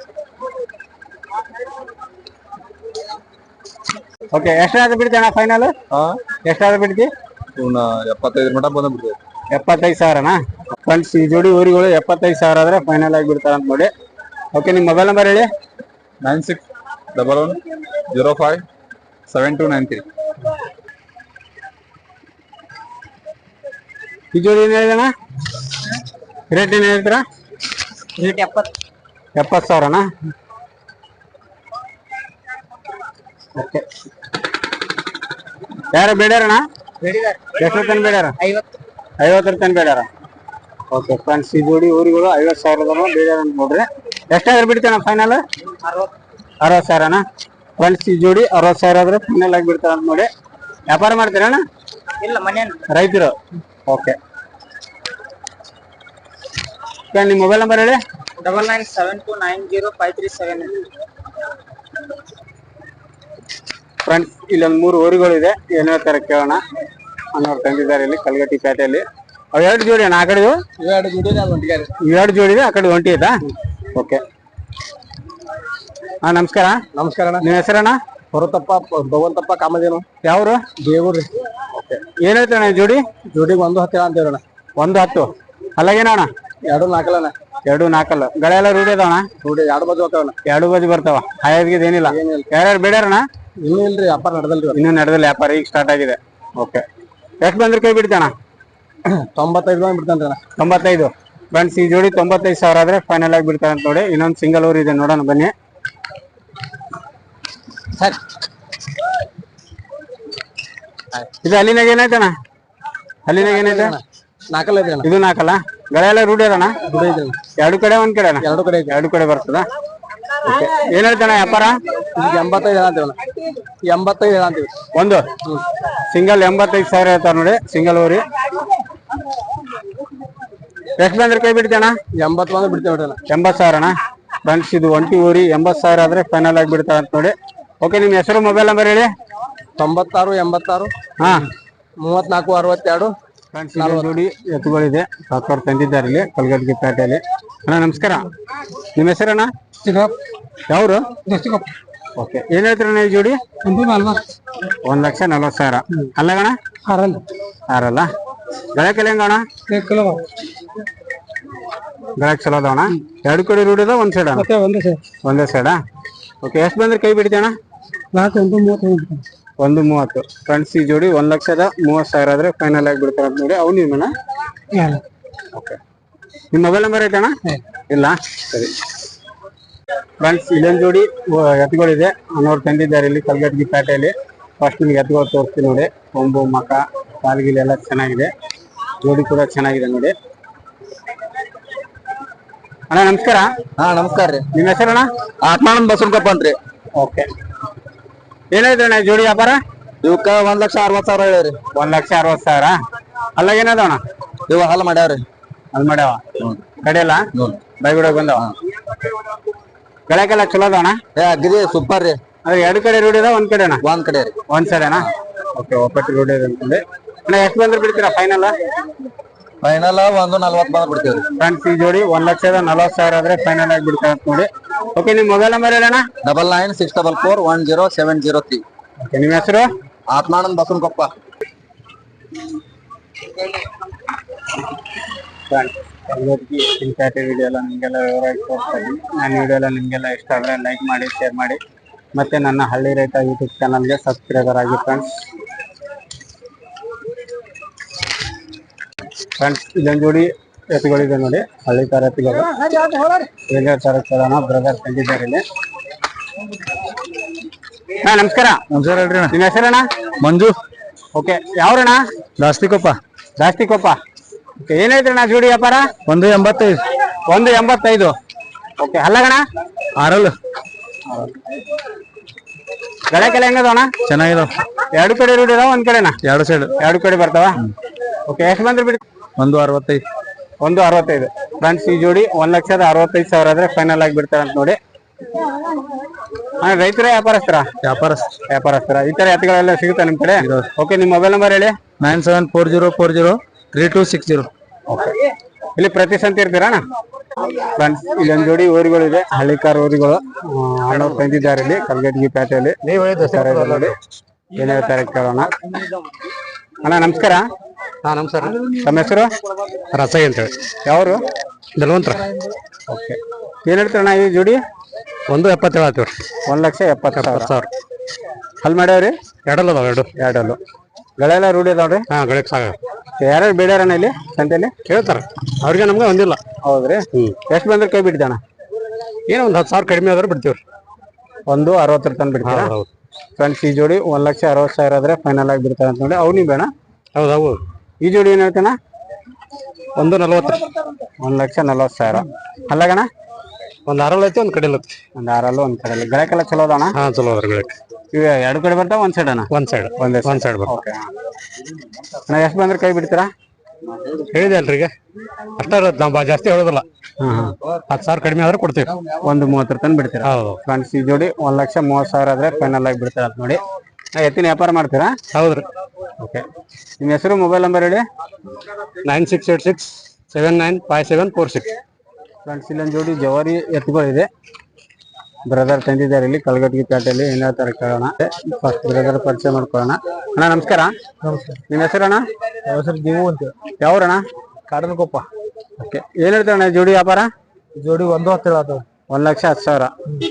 S1: ಓಕೆ. ಎಷ್ಟಾದ್ರೂ ಬಿಡ್ತೀಯಣ್ಣ ಫೈನಲ್? ಎಷ್ಟಾದ್ರೂ ಬಿಡ್ತಿ?
S3: ಎಪ್ಪತ್ತೈದು ಮಟ ಬಂದ ಬಿಡ್ತೇವೆ.
S1: ಎಪ್ಪತ್ತೈದು ಸಾವಿರನಾ? ಫ್ರೆಂಡ್ಸ್ ಈ ಜೋಡಿ ಊರುಗಳು ಎಪ್ಪತ್ತೈದು ಸಾವಿರ ಆದ್ರೆ ಫೈನಲ್ ಆಗಿ ಬಿಡ್ತಾರ ಅಂತ ನೋಡಿ. ಓಕೆ. ನಿಮ್ಮ ಮೊಬೈಲ್ ನಂಬರ್ ಹೇಳಿ.
S3: Nine six double one zero five seven two nine three.
S1: ಈ ಜೋಡಿ ಏನ್ ಹೇಳಿದಣ್ಣ? ರೇಟ್ ಏನ್ ಹೇಳ್ತೀರಾ?
S2: ರೇಟ್ ಎಪ್ಪತ್ತು.
S1: ಎಪ್ಪತ್ತು ಸಾವಿರನಾ? ಓಕೆ. ಯಾರು ಬೇಡ್ಯಾರಣ್ಣ? ಎಷ್ಟು ತನ ಬೇಡ್ಯಾರ?
S2: ಐವತ್ತು.
S1: ಐವತ್ತರ ತನ ಬೇಡ್ಯಾರ. ಓಕೆ. ಫ್ರೆಂಡ್ಸ್ ಈ ಜೋಡಿ ಊರುಗಳು ಐವತ್ತು ಸಾವಿರದ ಬೇಡ್ಯಾರ ಅಂತ ನೋಡ್ರಿ. ಎಷ್ಟಾದ್ರೂ ಬಿಡ್ತಾನ ಫೈನಲ್? ಅರವತ್ತು ಸಾವಿರನಾ? ಫ್ರೆಂಡ್ಸ್ ಈ ಜೋಡಿ ಅರವತ್ತು ಸಾವಿರ ಆದ್ರೆ ಫೈನಲ್ ಆಗಿ ಬಿಡ್ತಾರ ಅಂತ ನೋಡಿ. ವ್ಯಾಪಾರ ಮಾಡ್ತೀರಣ್ಣ?
S2: ಇಲ್ಲ, ಮನೆ
S1: ರೈತರು. ಓಕೆ. ನಿಮ್ಮ ಮೊಬೈಲ್ ನಂಬರ್ ಹೇಳಿ.
S2: Double nine seven two nine zero five three seven.
S1: Friends ಇಲ್ಲೊಂದು ಮೂರು ಊರುಗಳು ಇದೆ. ಏನ್ ಹೇಳ್ತಾರೆ ಕೇಳೋಣ. ಅನ್ನೋರು ತಂದಿದ್ದಾರೆ ಇಲ್ಲಿ ಕಲ್ಗಟ್ಟಿ ಪೇಟೆಯಲ್ಲಿ. ಅವ್ ಎರಡು ಜೋಡಿ ಅಣ್ಣ? ಆ ಕಡೆ
S2: ಎರಡು ಜೋಡಿ
S1: ಎರಡು ಜೋಡಿ ಇದೆ. ಆ ಕಡೆ ಒಂಟಿ ಐತಾ? ಓಕೆ. ಹಾ ನಮಸ್ಕಾರ.
S2: ನಮಸ್ಕಾರ ಅಣ್ಣ.
S1: ನಿಮ್ಮ ಹೆಸರಣ್ಣ?
S2: ಹೊರತಪ್ಪ ಭಗವಂತಪ್ಪ ಕಾಮಧೇನು.
S1: ಯಾವ್ರು?
S2: ದೇವ್ರಿ.
S1: ಓಕೆ. ಏನ್ ಹೇಳ್ತಾನೆ ಜೋಡಿ?
S2: ಜೋಡಿಗೆ ಒಂದು ಹತ್ತು ಅಂತೇವಣ್ಣ.
S1: ಒಂದು ಹತ್ತು. ಅಲ್ಲಾಗೇನಣ್ಣ?
S2: ಎರಡು ನಾಲ್ಕಲ್ಲ.
S1: ಎರಡು ನಾಲ್ಕಲ್ಲ. ಗಳೆಲ್ಲ ರೂಢಿ ಅದಾವಣ್ಣ?
S2: ರೂಢಿ. ಎರಡು ಬದಿ ಹೋಗ್ತಾವಣ್ಣ.
S1: ಎರಡು ಬದಿ ಬರ್ತಾವ. ಹಾಯದ್ಗಿದ್ ಏನಿಲ್ಲ. ಯಾರ್ಯಾರು ಬೇಡ್ಯಾರಣ್ಣ?
S2: ಇನ್ನೂ ಇಲ್ರಿ, ವ್ಯಾಪಾರ ನಡೆದಲ್ರಿ.
S1: ಇನ್ನೂ ನಡೆದಲ್ಲ ವ್ಯಾಪಾರ, ಈಗ ಸ್ಟಾರ್ಟ್ ಆಗಿದೆ. ಓಕೆ. ಎಷ್ಟು ಬಂದ್ರೆ ಕೈ ಬಿಡ್ತಾನ?
S2: ತೊಂಬತ್ತೈದು ಬಂದ್ ಬಿಡ್ತಾನ್ರಿ ಅಣ್ಣ.
S1: ತೊಂಬತ್ತೈದು. ಫ್ರೆಂಡ್ಸ್ ಈ ಜೋಡಿ ತೊಂಬತ್ತೈದು ಸಾವಿರ ಆದ್ರೆ ಫೈನಲ್ ಆಗಿ ಬಿಡ್ತಾರೆ ಅಂತ ನೋಡಿ. ಇನ್ನೊಂದು ಸಿಂಗಲ್ ಊರ್ ಇದೆ ನೋಡೋಣ ಬನ್ನಿ
S2: ಸರ್.
S1: ಇದು ಅಲ್ಲಿನಾಗ ಏನಾಯ್ತಣ್ಣ? ಅಲ್ಲಿನಾಗ ಏನೈತೆ?
S2: ನಾಲ್ಕಲ್ಲ ಇದೆ ಅಣ್ಣ.
S1: ಇದು ನಾಲ್ಕಲ್ಲ? ಗಳೆ ಎಲ್ಲ ರೂಢಿ ಅದಣ್ಣ? ಎರಡು ಕಡೆ ಒಂದ್ ಕಡೆ ಅಣ್ಣ?
S2: ಎರಡು ಕಡೆ
S1: ಎರಡು ಕಡೆ ಬರ್ತದ. ಏನ್ ಹೇಳ್ತಾನ ವ್ಯಾಪಾರ?
S2: ಇದಕ್ಕೆ ಎಂಬತ್ತೈದು ಹೇಳಂತೀವಣ್ಣ. ಎಂಬತ್ತೈದು ಹೇಳಂತೀವಿ
S1: ಒಂದು ಸಿಂಗಲ್ ಎಂಬತ್ತೈದು ಸಾವಿರ ಹೇಳ್ತಾರ ನೋಡಿ. ಸಿಂಗಲ್ ಊರಿ ಎಷ್ಟು ಬಂದ್ರೆ ಕೈ ಬಿಡ್ತೇಣ?
S2: ಎಂಬತ್ತು ಬಂದ್ರೆ ಬಿಡ್ತೇವೆ.
S1: ಎಂಬತ್ತು ಸಾವಿರ ಅಣ್ಣ. ಫ್ರೆಂಡ್ಸ್ ಇದು ಒಂಟಿ ಊರಿ ಎಂಬತ್ತು ಸಾವಿರ ಆದ್ರೆ ಫೈನಲ್ ಆಗಿ ಬಿಡ್ತಾರ ಅಂತ ನೋಡಿ. ಓಕೆ, ನಿಮ್ ಹೆಸರು ಮೊಬೈಲ್ ನಂಬರ್ ಹೇಳಿ.
S2: ತೊಂಬತ್ತಾರು ಎಂಬತ್ತಾರು
S1: ಹಾ
S2: ಮೂವತ್ನಾಲ್ಕು ಅರವತ್ತೆರಡು.
S1: ಫ್ರೆಂಡ್ಸ್ ನೋಡಿ ಎತ್ತುಗಳಿದೆ, ಸಾಕವ್ರು ತಂದಿದ್ದಾರೆ ಇಲ್ಲಿ ಕಲ್ಗಡ್ಗಿ ಪೇಟೆಯಲ್ಲಿ. ಅಣ್ಣ ನಮಸ್ಕಾರ, ನಿಮ್ಮ ಹೆಸರಣ್ಣ? ಯಾವ್ರು? ಓಕೆ, ಏನ್ ಹೇಳ್ತೀರಣ್ಣ ಈ ಜೋಡಿ? ಒಂದ್ ಲಕ್ಷ ನಲ್ವತ್ತು ಸಾವಿರ ಅಲ್ಲಗಣ? ಆರಲ್ಲ? ಗಳಕ್ಕೆಲ್ಲ ಹೆಂಗಣ? ಗಳಕ್ ಚಲೋ ಅದಾವಣ? ಎರಡು ಕಡೆ ರೂಢಿ ಅದ ಒಂದ್ ಸೈಡ್? ಒಂದೇ ಸೈಡಾ? ಓಕೆ, ಎಷ್ಟು ಬಂದ್ರೆ ಕೈ ಬಿಡ್ತೀಯಣ್ಣ? ಒಂದು ಮೂವತ್ತು. ಫ್ರೆಂಡ್ಸ್ ಈ ಜೋಡಿ ಒಂದ್ ಲಕ್ಷದ ಮೂವತ್ ಸಾವಿರ ಆದ್ರೆ ಫೈನಲ್ ಆಗಿ ಬಿಡ್ತಾರ ಅಂತ ನೋಡಿ. ಅವ್ ನಿಮ್ಮಣ್ಣ? ಓಕೆ, ನಿಮ್ ಮೊಬೈಲ್ ನಂಬರ್ ಐತಣ್ಣ? ಇಲ್ಲ, ಸರಿ. ಫ್ರೆಂಡ್ಸ್ ಇಲ್ಲೊಂದು ಜೋಡಿ ಎತ್ತುಗಳಿದೆ, ಅನ್ನೋರು ತಂದಿದ್ದಾರೆ ಇಲ್ಲಿ ಕಲ್ಗಡ್ಗಿ ಪೇಟೆಯಲ್ಲಿ. ಫಸ್ಟ್ ನಿಮ್ಗೆ ಎತ್ತುಗಳು ತೋರಿಸ್ತೀನಿ ನೋಡಿ. ಕೊಂಬು ಮಕ ಕಾಲ್ಗಿಲ್ ಎಲ್ಲ ಚೆನ್ನಾಗಿದೆ, ಜೋಡಿ ಕೂಡ ಚೆನ್ನಾಗಿದೆ ನೋಡಿ. ಅಣ್ಣ ನಮಸ್ಕಾರ.
S2: ಹಾ ನಮಸ್ಕಾರ ರೀ.
S1: ನಿಮ್ಮ ಹೆಸರಣ್ಣ?
S2: ಆತ್ಮಾನಂದ್ ಬಸವನಕೊಪ್ಪ ಅಂತ್ರಿ.
S1: ಓಕೆ, ಏನಾಯ್ತಣ್ಣ ಜೋಡಿ ವ್ಯಾಪಾರ?
S2: ಇವಕ್ಕ ಒಂದ್ ಲಕ್ಷ ಅರವತ್ ಸಾವಿರ ಹೇಳಿರಿ.
S1: ಒಂದ್ ಲಕ್ಷ ಅರವತ್ ಸಾವಿರ ಅಲ್ಲ? ಏನದವಣ
S2: ಇವ ಹಾಲು ಮಾಡ್ಯಾವ್ರಿ.
S1: ಅಲ್ಲಿ ಮಾಡ್ಯಾವ ಕಡೆಯಲ್ಲ ಬೈಗುಡಕ್ ಬಂದವ. ಗಳಕ್ಕೆಲ್ಲ ಚಲೋ ಅದಾವಣ?
S2: ಏ ಅಗ್ರಿ ಸೂಪರ್ ರೀ.
S1: ಅದ್ರ ಎರಡು ಕಡೆ ರೂಢಿ ಅದ ಒಂದ್ ಕಡೆನಾ?
S2: ಒಂದ್ ಕಡೆ ರೀ.
S1: ಒಂದ್ ಸೈಡೇನಾ? ಓಕೆ, ಒಪ್ಪಟ್ಟು ರೂಢಿ ಇದೆ ಅಂತಂದ್ರೆ. ಅಣ್ಣ ಎಷ್ಟು ಬಂದ್ರೆ ಬಿಡ್ತೀರಾ ಫೈನಲ್?
S2: ಫೈನಲ್ ಒಂದು ನಲ್ವತ್ ಬಂದ್ ಬಿಡ್ತೀವ್ರಿ.
S1: ಫ್ರೆಂಡ್ಸ್ ಈ ಜೋಡಿ ಒಂದ್ ಲಕ್ಷದ ನಲ್ವತ್ ಸಾವಿರ ಆದ್ರೆ ಫೈನಲ್ ಆಗಿ ಬಿಡ್ತಾರೆ ಅಂತ ನೋಡಿ. ಓಕೆ, ನಿಮ್ ಮೊಬೈಲ್ ನಂಬರ್ ಹೇಳಣ್ಣ?
S2: Double nine six double four one zero seven zero three.
S1: Okay, ನಿಮ್ಮ ಹೆಸರು?
S2: ಆತ್ಮಾನಂದ್ ಬಸವನಕೊಪ್ಪ.
S1: ವಿಡಿಯೋ ಎಲ್ಲ ನಿಮಗೆಲ್ಲ ವಿವರವಾಗಿ ತೋರಿಸ್ತಾ ಇದ್ದೀನಿ. ನನ್ನ ವಿಡಿಯೋ ಎಲ್ಲ ನಿಮಗೆಲ್ಲ ಇಷ್ಟ ಆದರೆ ಲೈಕ್ ಮಾಡಿ, ಶೇರ್ ಮಾಡಿ, ಮತ್ತೆ ನನ್ನ ಹಳ್ಳಿ ರೈತ ಯೂಟ್ಯೂಬ್ ಚಾನಲ್ಗೆ ಸಬ್ಸ್ಕ್ರೈಬರ್ ಆಗಿ ಫ್ರೆಂಡ್ಸ್. ಫ್ರೆಂಡ್ಸ್ ಇಲ್ಲೊಂದು ಜೋಡಿ ಎತ್ತುಗಳಿದೆ ನೋಡಿ, ಹಳ್ಳಿ ತರ ಎತ್ತುಗಳು. ಏನೇ ತರ ಕೇಳೋಣ, ಬ್ರದರ್ ತಂದಿದ್ದಾರೆ ಇಲ್ಲಿ. ಹಾ ನಮಸ್ಕಾರ.
S2: ನಮಸ್ಕಾರ ಹೇಳ್ರಿ.
S1: ನಿಮ್ಮ ಹೆಸರಣ್ಣ?
S2: ಮಂಜು.
S1: ಓಕೆ, ಯಾವ್ರಣ್ಣ?
S2: ದಾಸ್ತಿಕೊಪ್ಪ.
S1: ದಾಸ್ತಿಕೊಪ್ಪ. ಓಕೆ, ಏನೈತ್ರಣ್ಣ ಜೋಡಿ ವ್ಯಾಪಾರ?
S2: ಒಂದು ಎಂಬತ್ತೈದು.
S1: ಒಂದು ಎಂಬತ್ತೈದು. ಓಕೆ, ಅಲ್ಲಗಣ?
S2: ಆರಲ್.
S1: ಗಳಕ್ಕೆಲ್ಲ ಹೆಂಗದವಣ?
S2: ಚೆನ್ನಾಗಿದಾವ.
S1: ಎರಡು ಕಡೆ ರೂಢಿ ಅದಾವ ಒಂದ್ ಕಡೆನಾ?
S2: ಎರಡು ಸೈಡ್.
S1: ಎರಡು ಕಡೆ ಬರ್ತಾವ. ಓಕೆ, ಎಷ್ಟು ಬಂದ್ರೆ ಬಿಡಿ?
S2: ಒಂದು ಅರವತ್ತೈದು.
S1: ಒಂದು ಅರವತ್ತೈದು. ಫ್ರೆಂಡ್ಸ್ ಈ ಜೋಡಿ ಒಂದ್ ಲಕ್ಷದ ಅರವತ್ತೈದು ಸಾವಿರ ಆದ್ರೆ ಫೈನಲ್ ಆಗಿ ಬಿಡ್ತಾರೆ ಅಂತ ನೋಡಿ. ಹಾ, ರೈತರ ವ್ಯಾಪಾರಸ್ಥರ?
S2: ವ್ಯಾಪಾರಸ್ಥ.
S1: ವ್ಯಾಪಾರಸ್ಥರ. ಈ ತರ ಎತ್ತುಗಳೆಲ್ಲ ಸಿಗುತ್ತಾ ನಿಮ್ ಕಡೆ? ಓಕೆ, ನಿಮ್ ಮೊಬೈಲ್ ನಂಬರ್ ಹೇಳಿ.
S2: Nine seven four zero four zero three two six zero.
S1: Okay, ಇಲ್ಲಿ ಪ್ರತಿ ಸಂತೆ ಇರ್ತೀರಾ? ಫ್ರೆಂಡ್ಸ್ ಇಲ್ಲೊಂದು ಜೋಡಿ ಊರುಗಳಿದೆ, ಹಳ್ಳಿಕಾರ್ ಊರುಗಳು. ಅಣ್ಣವ್ರು ತಂದಿದ್ದಾರೆ ಇಲ್ಲಿ ಕಲ್ಗಡ್ಗಿ ಪೇಟೆಯಲ್ಲಿ. ನೋಡಿ ಏನ್ ಹೇಳ್ತಾರೆ ಕೇಳೋಣ. ಅಣ್ಣ ನಮಸ್ಕಾರ.
S2: ಹಾ ನಮಸ್ಕಾರ.
S1: ತಮ್ಮ ಹೆಸರು?
S2: ರಸೈ ಅಂತ ಹೇಳಿ.
S1: ಯಾವರು?
S2: ಬೆಲವಂತರ.
S1: ಓಕೆ, ಏನ್ ಹೇಳ್ತಾರಣ್ಣ ಈ ಜೋಡಿ?
S2: ಒಂದು ಎಪ್ಪತ್ತೇಳು ಆಯ್ತು.
S1: ಒಂದ್ ಲಕ್ಷ ಎಪ್ಪತ್ತು ಸಾವಿರ
S2: ಸಾವಿರ
S1: ಅಲ್ಲಿ ಮಾಡ್ಯಾವ್ರಿ?
S2: ಎರಡಲ್ಲ ಅದಾವ. ಎರಡು
S1: ಎರಡಲ್ಲು. ಗಳೆಲ್ಲ ರೂಢಿ ಅದಾವ್ರಿ?
S2: ಹಾ ಗಳಕ್ ಸಾಗ.
S1: ಯಾರ್ಯಾರು ಬೇಡ್ಯಾರಣ್ಣ ಇಲ್ಲಿ ಸಂತೆಯಲ್ಲಿ?
S2: ಕೇಳ್ತಾರ, ಅವ್ರಿಗೆ ನಮ್ಗೆ ಒಂದಿಲ್ಲ.
S1: ಹೌದ್ರಿ? ಎಷ್ಟು ಬಂದ್ರೆ ಕೈ ಬಿಡ್ತಾನ?
S2: ಏನೋ ಒಂದ್ ಹತ್ತು ಸಾವಿರ ಕಡಿಮೆ ಆದ್ರೆ ಬಿಡ್ತೀವ್ರಿ.
S1: ಒಂದು ಅರವತ್ತರ ತನಕ ಬಿಡ್ತೀರಾ?
S2: ಹೌದು.
S1: ಫ್ರೆಂಡ್ಸ್ ಈ ಜೋಡಿ ಒಂದ್ ಲಕ್ಷ ಅರವತ್ತು ಸಾವಿರ ಆದ್ರೆ ಫೈನಲ್ ಆಗಿ ಬಿಡ್ತಾರೆ ಅಂತ ನೋಡಿ. ಅವ್ ನೀವು ಬೇಡ?
S2: ಹೌದು ಹೌದು.
S1: ಈ ಜೋಡಿ ಏನ್ ಹೇಳ್ತಾನ?
S2: ಒಂದು ನಲ್ವತ್ತು.
S1: ಒಂದ್ ಲಕ್ಷ ನಲ್ವತ್ತು ಸಾವಿರ ಅಲ್ಲಗಣ?
S2: ಒಂದ್ ಆರಲ್ಲಿ ಐತಿ, ಒಂದ್ ಕಡೆ ಐತಿ.
S1: ಒಂದ್ ಆರಲ್ಲೂ ಒಂದ್ ಕಡೆ. ಗಳಕ್ಕೆಲ್ಲ ಚಲೋ ಅದಾಣ?
S2: ಹಾ ಚಲೋ ಅದ್ರ ಗಳಕ್.
S1: ಇವ ಎರಡು ಕಡೆ ಬರ್ತಾವ ಒಂದ್ ಸೈಡ್ ಅಣ್ಣ?
S2: ಒಂದ್ ಸೈಡ್.
S1: ಒಂದೇ
S2: ಒಂದ್ ಸೈಡ್ ಬರ್ತಾವ.
S1: ಓಕೆ, ನಾ ಎಷ್ಟು ಬಂದ್ರೆ ಕೈ ಬಿಡ್ತೀರಾ?
S2: ಹೇಳಿದೆ ಅಲ್ರಿ ಈಗ, ಅಷ್ಟ ಇರತ್ತೆ. ನಾವು ಜಾಸ್ತಿ ಹೇಳೋದಿಲ್ಲ.
S1: ಹಾ ಹಾ,
S2: ಹತ್ತು ಸಾವಿರ ಕಡಿಮೆ ಆದ್ರೆ ಕೊಡ್ತೀವಿ.
S1: ಒಂದು ಮೂವತ್ತರ ತನಕ ಬಿಡ್ತೀರಾ?
S2: ಹೌದು.
S1: ಫ್ರೆಂಡ್ಸ್ ಈ ಜೋಡಿ ಒಂದ್ ಲಕ್ಷ ಮೂವತ್ತು ಸಾವಿರ ಆದ್ರೆ ಫೈನಲ್ ಆಗಿ ಬಿಡ್ತೀರಾ ಅಂತ ನೋಡಿ. ಎತ್ತಿನ ವ್ಯಾಪಾರ ಮಾಡ್ತೀರಾ?
S2: ಹೌದ್ರಿ.
S1: ಓಕೆ, ನಿಮ್ಮ ಹೆಸರು ಮೊಬೈಲ್ ನಂಬರ್ ಹೇಳಿ.
S2: Nine six eight six seven nine five seven four six.
S1: Friends ಇಲ್ಲೊಂದು ಜೋಡಿ ಜವಾರಿ ಎತ್ತುಗಳಿದೆ, ಬ್ರದರ್ ತಂದಿದ್ದಾರೆ ಇಲ್ಲಿ ಕಲ್ಗಡ್ಗಿ ಪೇಟೆಯಲ್ಲಿ. ಏನ್ ಹೇಳ್ತಾರೆ ಕೇಳೋಣ. ಫಸ್ಟ್ ಬ್ರದರ್ ಪರಿಚಯ ಮಾಡ್ಕೊಳ್ಳೋಣ. ಅಣ್ಣ ನಮಸ್ಕಾರ.
S2: ನಮಸ್ಕಾರ.
S1: ನಿಮ್ಮ ಹೆಸರಣ್ಣ?
S2: ಹೆಸರು ಜೀವು ಅಂತ.
S1: ಯಾವ್ರಣ್ಣ?
S2: ಕಾಡನಕೊಪ್ಪ.
S1: ಓಕೆ, ಏನ್ ಹೇಳ್ತಾರಣ್ಣ ಜೋಡಿ ವ್ಯಾಪಾರ?
S2: ಜೋಡಿ ಒಂದು ಹತ್ತು ಹೇಳತ್ತವ.
S1: ಒಂದ್ ಲಕ್ಷ ಹತ್ತು ಸಾವಿರ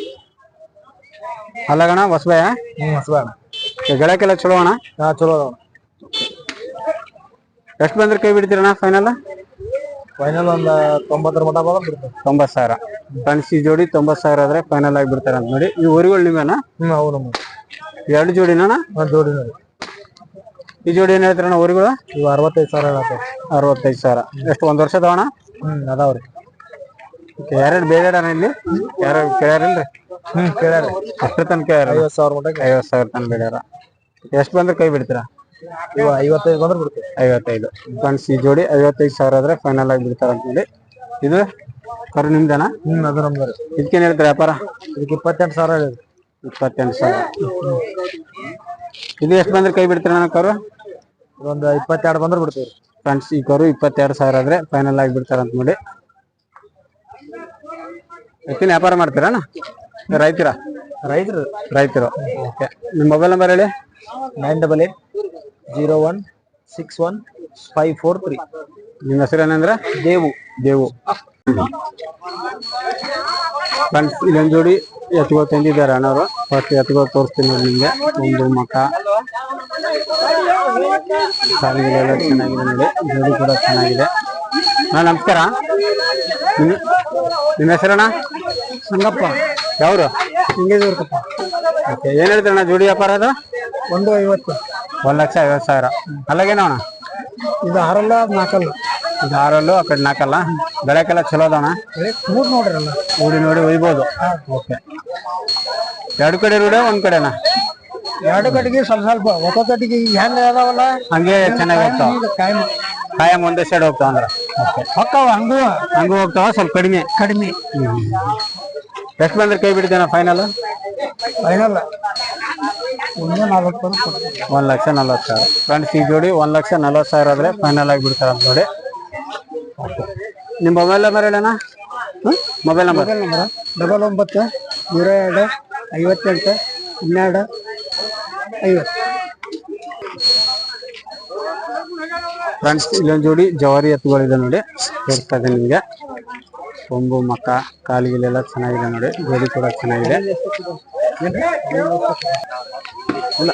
S1: ಅಲ್ಲಗಣ? ಹೊಸಬಾಯ?
S2: ಹ್ಮ್ ಹೊಸಬಾಯ.
S1: ಗಳಕ್ಕೆಲ್ಲ ಚಲೋ ಅಣ್ಣ?
S2: ಹಾ ಚಲೋ ಅದಾವ.
S1: ಎಷ್ಟು ಬಂದ್ರೆ ಕೈ ಬಿಡ್ತೀರಣ್ಣ ಫೈನಲ್?
S2: ಫೈನಲ್ ಒಂದು ತೊಂಬತ್ತರ ಮಟ ಬಂದ್ರೆ ಬಿಡ್ತಾರೆ.
S1: ತೊಂಬತ್ತು ಸಾವಿರ ಫ್ರೆಂಡ್ಸ್. ಈ ಜೋಡಿ ತೊಂಬತ್ತು ಸಾವಿರ ಆದ್ರೆ ಫೈನಲ್ ಆಗಿ ಬಿಡ್ತಾರೆ ಅಂತ ನೋಡಿ. ಈ ಊರುಗಳು ನಿವೇನಾ?
S2: ಹ್ಮ್ ಅವು ನಮ್ಮ
S1: ಎರಡು ಜೋಡಿನ
S2: ಒಂದು ಜೋಡಿ ನೋಡಿ.
S1: ಈ ಜೋಡಿ ಏನ್ ಹೇಳ್ತಾರಣ್ಣ ಊರುಗಳು?
S2: ಇವು ಅರವತ್ತೈದು ಸಾವಿರ ಹೇಳತ್ತೆ.
S1: ಅರವತ್ತೈದು ಸಾವಿರ. ಎಷ್ಟು ಒಂದ್ ವರ್ಷ ಅದಾವಣ?
S2: ಹ್ಮ್ ಅದಾವ್ರಿ.
S1: ಯಾರ್ಯಾರು ಬೇಡ ಇಲ್ಲಿ ಯಾರು ಕೇಳ್ಯಾರಿಲ್ರಿ?
S2: ಹ್ಮ್ ಕೇಳ್ಯಾರ.
S1: ಎಷ್ಟು ತನಕ ಕೇಳ್ಯಾರ?
S2: ಐವತ್ತು ಸಾವಿರ ಮಟ
S1: ಐವತ್ತು ಸಾವಿರ ತನಕ ಬೇಡ್ಯಾರ. ಎಷ್ಟು ಬಂದ್ರೆ ಕೈ ಬಿಡ್ತೀರಾ?
S2: ಇವ ಐವತ್ತೈದು ಬಂದ್ರೆ ಬಿಡ್ತೀವಿ.
S1: ಐವತ್ತೈದು ಫ್ರೆಂಡ್ಸ್. ಈ ಜೋಡಿ ಐವತ್ತೈದು ಸಾವಿರ ಆದ್ರೆ ಫೈನಲ್ ಆಗಿ ಬಿಡ್ತಾರ ಅಂತ ಹೇಳಿ. ಇದು ಕರು ನಿಮ್ದೇನಾ?
S2: ಹ್ಮ್ ಅದು ನಮ್ದು.
S1: ಇದಕ್ಕೇನ್ ಹೇಳ್ತಾರೆ ವ್ಯಾಪಾರ?
S2: ಇದಕ್ಕೆ ಇಪ್ಪತ್ತೆಂಟು ಸಾವಿರ ಹೇಳಿದ್ರಿ.
S1: ಇಪ್ಪತ್ತೆಂಟು ಸಾವಿರ. ಇದು ಎಷ್ಟು ಬಂದ್ರೆ ಕೈ ಬಿಡ್ತೀರ ನನ್ನ ಕರು?
S2: ಒಂದು ಇಪ್ಪತ್ತೆರಡು ಬಂದ್ರೆ ಬಿಡ್ತೀವಿ
S1: ಫ್ರೆಂಡ್ಸ್. ಈ ಕರು ಇಪ್ಪತ್ತೆರಡು ಸಾವಿರ ಆದ್ರೆ ಫೈನಲ್ ಆಗಿ ಬಿಡ್ತಾರ ಅಂತ ನೋಡಿ. ಎತ್ತಿನ ವ್ಯಾಪಾರ ಮಾಡ್ತೀರಾ? ರೈತರ
S2: ರೈತರು
S1: ರೈತರು ಓಕೆ. ನಿಮ್ಮ ಮೊಬೈಲ್ ನಂಬರ್ ಹೇಳಿ.
S2: Nine double eight zero one six one five four three.
S1: ನಿಮ್ಮ ಹೆಸರು ಏನಂದ್ರೆ?
S2: ದೇವು.
S1: ದೇವು ಫ್ರೆಂಡ್ಸ್. ಇಲ್ಲೊಂದು ಜೋಡಿ ಎತ್ಗೋ ತಂದಿದ್ದಾರೆ ಅಣ್ಣವರು. ಫಸ್ಟ್ ಎತ್ಗೋ ತೋರಿಸ್ತೀನಿ ನೋಡಿ ನಿಮ್ಗೆ. ಒಂದು ಮಕ ಸಾಲಿಗೆಲ್ಲ ಚೆನ್ನಾಗಿದೆ ನೋಡಿ. ಜೋಡಿ ಕೂಡ ಚೆನ್ನಾಗಿದೆ. ಹಾ ನಮಸ್ಕಾರ. ನಿಮ್- ನಿಮ್ಮ ಹೆಸರಣ್ಣ?
S2: ಸಂಗಪ್ಪ.
S1: ಯಾವ್ರು?
S2: ಹಿಂಗೇಜೂರ್ಕಪ್ಪ.
S1: ಓಕೆ. ಏನ್ ಹೇಳ್ತಾರಣ್ಣ ಜೋಡಿ ವ್ಯಾಪಾರ ಅದು?
S2: ಒಂದು ಐವತ್ತು.
S1: ಒಂದ್ ಲಕ್ಷ ಐವತ್ತು ಸಾವಿರ. ಅಲ್ಲಾಗೇನವಣ?
S2: ಇದು ಆರಲ್ಲ ಅದು ನಾಲ್ಕಲ್ಲ.
S1: ಇದು ಆರಲ್ಲು ಆ ಕಡೆ ನಾಲ್ಕಲ್ಲ. ಬೆಳಕೆಲ್ಲ ಚಲೋ ಅದಾವಣ.
S2: ಮೂರ್ ನೋಡ್ರಲ್ಲ.
S1: ಊಡಿ ನೋಡಿ ಒಯ್ಬೋದು. ಓಕೆ. ಎರಡು ಕಡೆ ರೂಢ ಒಂದ್ ಕಡೆನಾ?
S2: ಎರಡು ಕಡೆಗೆ ಸ್ವಲ್ಪ ಸ್ವಲ್ಪ ಒತ್ತ ಕಡೆಗೆ ಹೆಂಗ ಅದಾವಲ್ಲ
S1: ಹಂಗೆ ಚೆನ್ನಾಗಿ ಹೋಗ್ತಾವ.
S2: ಕಾಯಂ
S1: ಕಾಯಂ ಒಂದೇ ಸೈಡ್ ಹೋಗ್ತಾವ ಅಂದ್ರ. ಓಕೆ.
S2: ಹೊಕ್ಕಾವ ಹಂಗೂ
S1: ಹಂಗೂ ಹೋಗ್ತಾವ, ಸ್ವಲ್ಪ ಕಡಿಮೆ.
S2: ಕಡಿಮೆ.
S1: ಎಷ್ಟು ಬಂದ್ರೆ ಕೈ ಬಿಡ್ತೇನ ಫೈನಲ್?
S2: ಫೈನಲ್ ಒಂದು ನಾಲ್ಕು ಬಂದು ಕೊಡ್ತೀವಿ.
S1: ಒಂದ್ ಲಕ್ಷ ನಲ್ವತ್ತು ಸಾವಿರ. ಫ್ರೆಂಡ್ಸ್. ಈ ಜೋಡಿ ಒಂದ್ ಲಕ್ಷ ನಲ್ವತ್ತು ಸಾವಿರ ಆದ್ರೆ ಫೈನಲ್ ಆಗಿ ಬಿಡ್ತಾರ ಅಂತ ನೋಡಿ. ನಿಮ್ ಮೊಬೈಲ್ ನಂಬರ್ ಹೇಳಣ್ಣ? Mobile number?
S2: Mobile number double ಒಂಬತ್ತು ಜೀರೋ ಎರಡು ಐವತ್ತೆಂಟು ಹನ್ನೆರಡು ಐವತ್ತು.
S1: ಫ್ರೆಂಡ್ಸ್. ಇಲ್ಲೊಂದು ಜೋಡಿ ಜವಾರಿ ಎತ್ತುಗಳಿದೆ ನೋಡಿ. ತೋರಿಸ್ತಾ ಇದೆ ನಿಮ್ಗೆ. ಕೊಂಬು ಮಕ್ಕ ಕಾಲಿಗೆಲ್ಲ ಚೆನ್ನಾಗಿದೆ ನೋಡಿ. ಜೋಡಿ ಕೂಡ ಚೆನ್ನಾಗಿದೆ. ಇಲ್ಲ.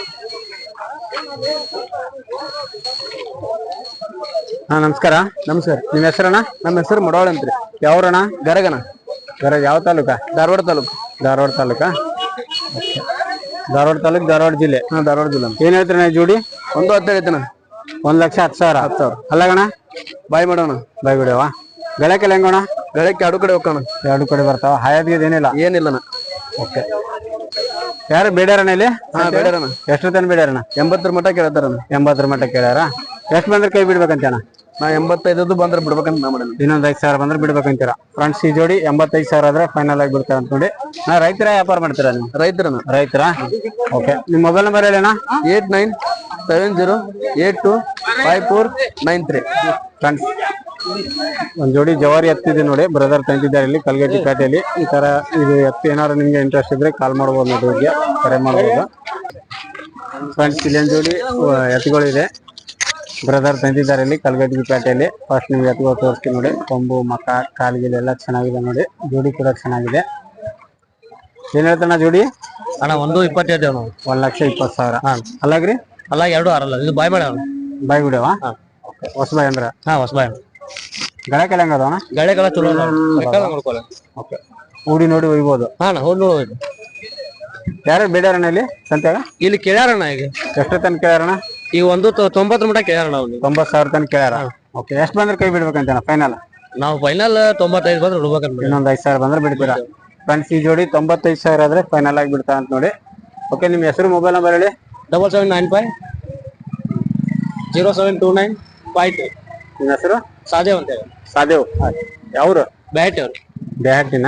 S1: ಹಾ ನಮಸ್ಕಾರ.
S2: ನಮಸ್ಕಾರ.
S1: ನಿಮ್ಮ ಹೆಸರಣ್ಣ?
S2: ನಮ್ಮ ಹೆಸರು ಮಡವಾಳ ಅಂತ್ರಿ.
S1: ಯಾವ್ರಣ್ಣ?
S2: ಗರಗನ.
S1: ಗರ ಯಾವ ತಾಲೂಕ?
S2: ಧಾರವಾಡ ತಾಲೂಕು.
S1: ಧಾರವಾಡ ತಾಲೂಕಾ? ಧಾರವಾಡ ತಾಲೂಕ್ ಧಾರವಾಡ ಜಿಲ್ಲೆ.
S2: ಹಾ ಧಾರವಾಡ ಜಿಲ್ಲಾ.
S1: ಏನ್ ಹೇಳ್ತೀರ ಜೋಡಿ?
S2: ಒಂದು ಹತ್ತೈದು ಐತನ.
S1: ಒಂದ್ ಲಕ್ಷ ಹತ್ತು ಸಾವಿರ.
S2: ಹತ್ತು ಸಾವಿರ.
S1: ಅಲ್ಲಗಣ
S2: ಬಾಯ್ ಮಾಡೋಣ.
S1: ಬಾಯ್ ಬಿಡವ. ಗಳಕ್ಕೆಲ್ಲ ಹೆಂಗೋಣ?
S2: ಬೆಳಗ್ಗೆ ಎರಡು ಕಡೆ ಹೋಗೋಣ.
S1: ಎರಡು ಕಡೆ ಬರ್ತಾವ. ಹಾಯಾದ್ಗೆ ಏನಿಲ್ಲ?
S2: ಏನಿಲ್ಲನ.
S1: ಓಕೆ. ಯಾರು ಬೇಡ್ಯಾರಣ ಇಲ್ಲಿ?
S2: ಹಾ ಬೇಡಾರಣ.
S1: ಎಷ್ಟು ತನ ಬೇಡ್ಯಾರಣ?
S2: ಎಂಬತ್ತರ ಮಟ್ಟ ಕೇಳ್ತಾರ.
S1: ಎಂಬತ್ತರ ಮಟ್ಟ ಕೇಳ್ಯಾರ. ಎಷ್ಟು ಬಂದ್ರೆ ಕೈ ಬಿಡ್ಬೇಕಂತಣ್ಣ?
S2: ನಾ ಎಂಬತ್ತೈದು ಬಂದ್ರೆ ಬಿಡ್ಬೇಕಂತ ನಾ ಮಾಡೋಣ.
S1: ಇನ್ನೊಂದ್ ಐದು ಸಾವಿರ ಬಂದ್ರೆ ಬಿಡ್ಬೇಕಂತೀರ. ಫ್ರೆಂಡ್ಸ್. ಈ ಜೋಡಿ ಎಂಬತ್ತೈದು ಸಾವಿರ ಆದ್ರೆ ಫೈನಲ್ ಆಗಿ ಬಿಡ್ತಾರ ಅಂತ ನೋಡಿ. ನಾ ರೈತರ ವ್ಯಾಪಾರ ಮಾಡ್ತೀರಾ ನೀವು?
S2: ರೈತರನ.
S1: ರೈತರ. ಓಕೆ. ನಿಮ್ ಮೊಬೈಲ್ ನಂಬರ್ ಹೇಳಣ್ಣ?
S2: Eight nine seven zero eight two five four nine three.
S1: Friends. ಒಂದ್ ಜೋಡಿ ಜವಾರಿ ಎತ್ತಿದೆ ನೋಡಿ. ಬ್ರದರ್ ತಂದಿದ್ದಾರೆ ಇಲ್ಲಿ ಕಲ್ಗಟ್ಟಿ ಪೇಟೆಯಲ್ಲಿ. ಈ ತರ ಇದು ಎತ್ತು ಏನಾದ್ರು ನಿಮ್ಗೆ ಇಂಟ್ರೆಸ್ಟ್ ಇದ್ರೆ ಕಾಲ್ ಮಾಡ್ಬೋದು ನೋಡಿ. ಹೋಗಿ ಕರೆ ಮಾಡ್ಬೋದು. ಫ್ರೆಂಡ್ಸ್. ಇಲ್ಲೊಂದ್ ಜೋಡಿ ಎತ್ತುಗಳಿದೆ. ಬ್ರದರ್ ತಂದಿದ್ದಾರೆ ಇಲ್ಲಿ ಕಲ್ಗಟ್ಟಿ ಪೇಟೆಯಲ್ಲಿ. ಫಸ್ಟ್ ನೀವು ಎತ್ತುಗಳು ತೋರಿಸ್ತೀವಿ ನೋಡಿ. ಕೊಂಬು ಮಕ ಕಾಲಿಗೆಲ್ಲ ಎಲ್ಲ ಚೆನ್ನಾಗಿದೆ ನೋಡಿ. ಜೋಡಿ ಕೂಡ ಚೆನ್ನಾಗಿದೆ. ಏನ್ ಹೇಳ್ತಾನ ಜೋಡಿ?
S2: ಅಣ್ಣ ಒಂದು ಇಪ್ಪತ್ತೈದು ನಾವು.
S1: ಒಂದ್ ಲಕ್ಷ ಇಪ್ಪತ್ತು ಸಾವಿರ. ಅಲ್ಲಾಗ್ರಿ?
S2: ಅಲ್ಲ ಎರಡು ಆರಲ್ಲ. ಇದು ಬಾಯ್ ಮಾಡ.
S1: ಬಾಯ್ ಬಿಡವ. ಹೊಸಬಾಯ್ ಅಂದ್ರ?
S2: ಹಾ ಹೊಸಬಾಯ್.
S1: ಗಳಕ್ಕೆಲ್ಲ ಹೆಂಗ ಅದಾವಣ?
S2: ಗಳೆಗೆಲ್ಲ ಚಲೋ ನೋಡ್ಕೊಳ್ಳ.
S1: ಓಕೆ. ಊಡಿ ನೋಡಿ ಒಯ್ಬೋದು.
S2: ಹಾ ನಾ ಹೋಗಿ ನೋಡ್ಬೋದು.
S1: ಯಾರು ಬೇಡ್ಯಾರಣ್ಣ ಇಲ್ಲಿ ಸಂತ್ಯಾಗ?
S2: ಇಲ್ಲಿ ಕೇಳ್ಯಾರಣ್ಣ. ಈಗ
S1: ಎಷ್ಟು ತನಕ ಕೇಳ್ಯಾರಣ?
S2: ಈಗ ಒಂದು ತೊಂಬತ್ತರ ಮಟ್ಟ ಕೇಳ್ಯಾರಣ. ಅವ್ನು
S1: ತೊಂಬತ್ ಸಾವಿರ ತನಕ ಕೇಳ್ಯಾರ. ಓಕೆ. ಎಷ್ಟು ಬಂದ್ರೆ ಕೈ ಬಿಡ್ಬೇಕಂತ ಫೈನಲ್?
S2: ನಾವು ಫೈನಲ್ ತೊಂಬತ್ತೈದು ಬಂದ್ರೆ ಬಿಡ್ಬೇಕಂತ.
S1: ಇನ್ನೊಂದ್ ಐದು ಸಾವಿರ ಬಂದ್ರೆ ಬಿಡ್ತೀರಾ? ಫ್ರೆಂಡ್ಸ್. ಈ ಜೋಡಿ ತೊಂಬತ್ತೈದು ಸಾವಿರ ಆದ್ರೆ ಫೈನಲ್ ಆಗಿ ಬಿಡ್ತಾ ಅಂತ ನೋಡಿ. ಓಕೆ. ನಿಮ್ಮ ಹೆಸರು ಮೊಬೈಲ್ ನಂಬರ್ ಹೇಳಿ.
S2: Double seven nine five zero seven two nine five two.
S1: ನಿಮ್ಮ ಹೆಸರು?
S2: ಸಾದೇವ್ ಅಂತ ಹೇಳಿ.
S1: ಸಾದೇವ್. ಯಾವ್ರು?
S2: ಬ್ಯಾಟಿ ಅವ್ರು.
S1: ಬ್ಯಾಟಿನ.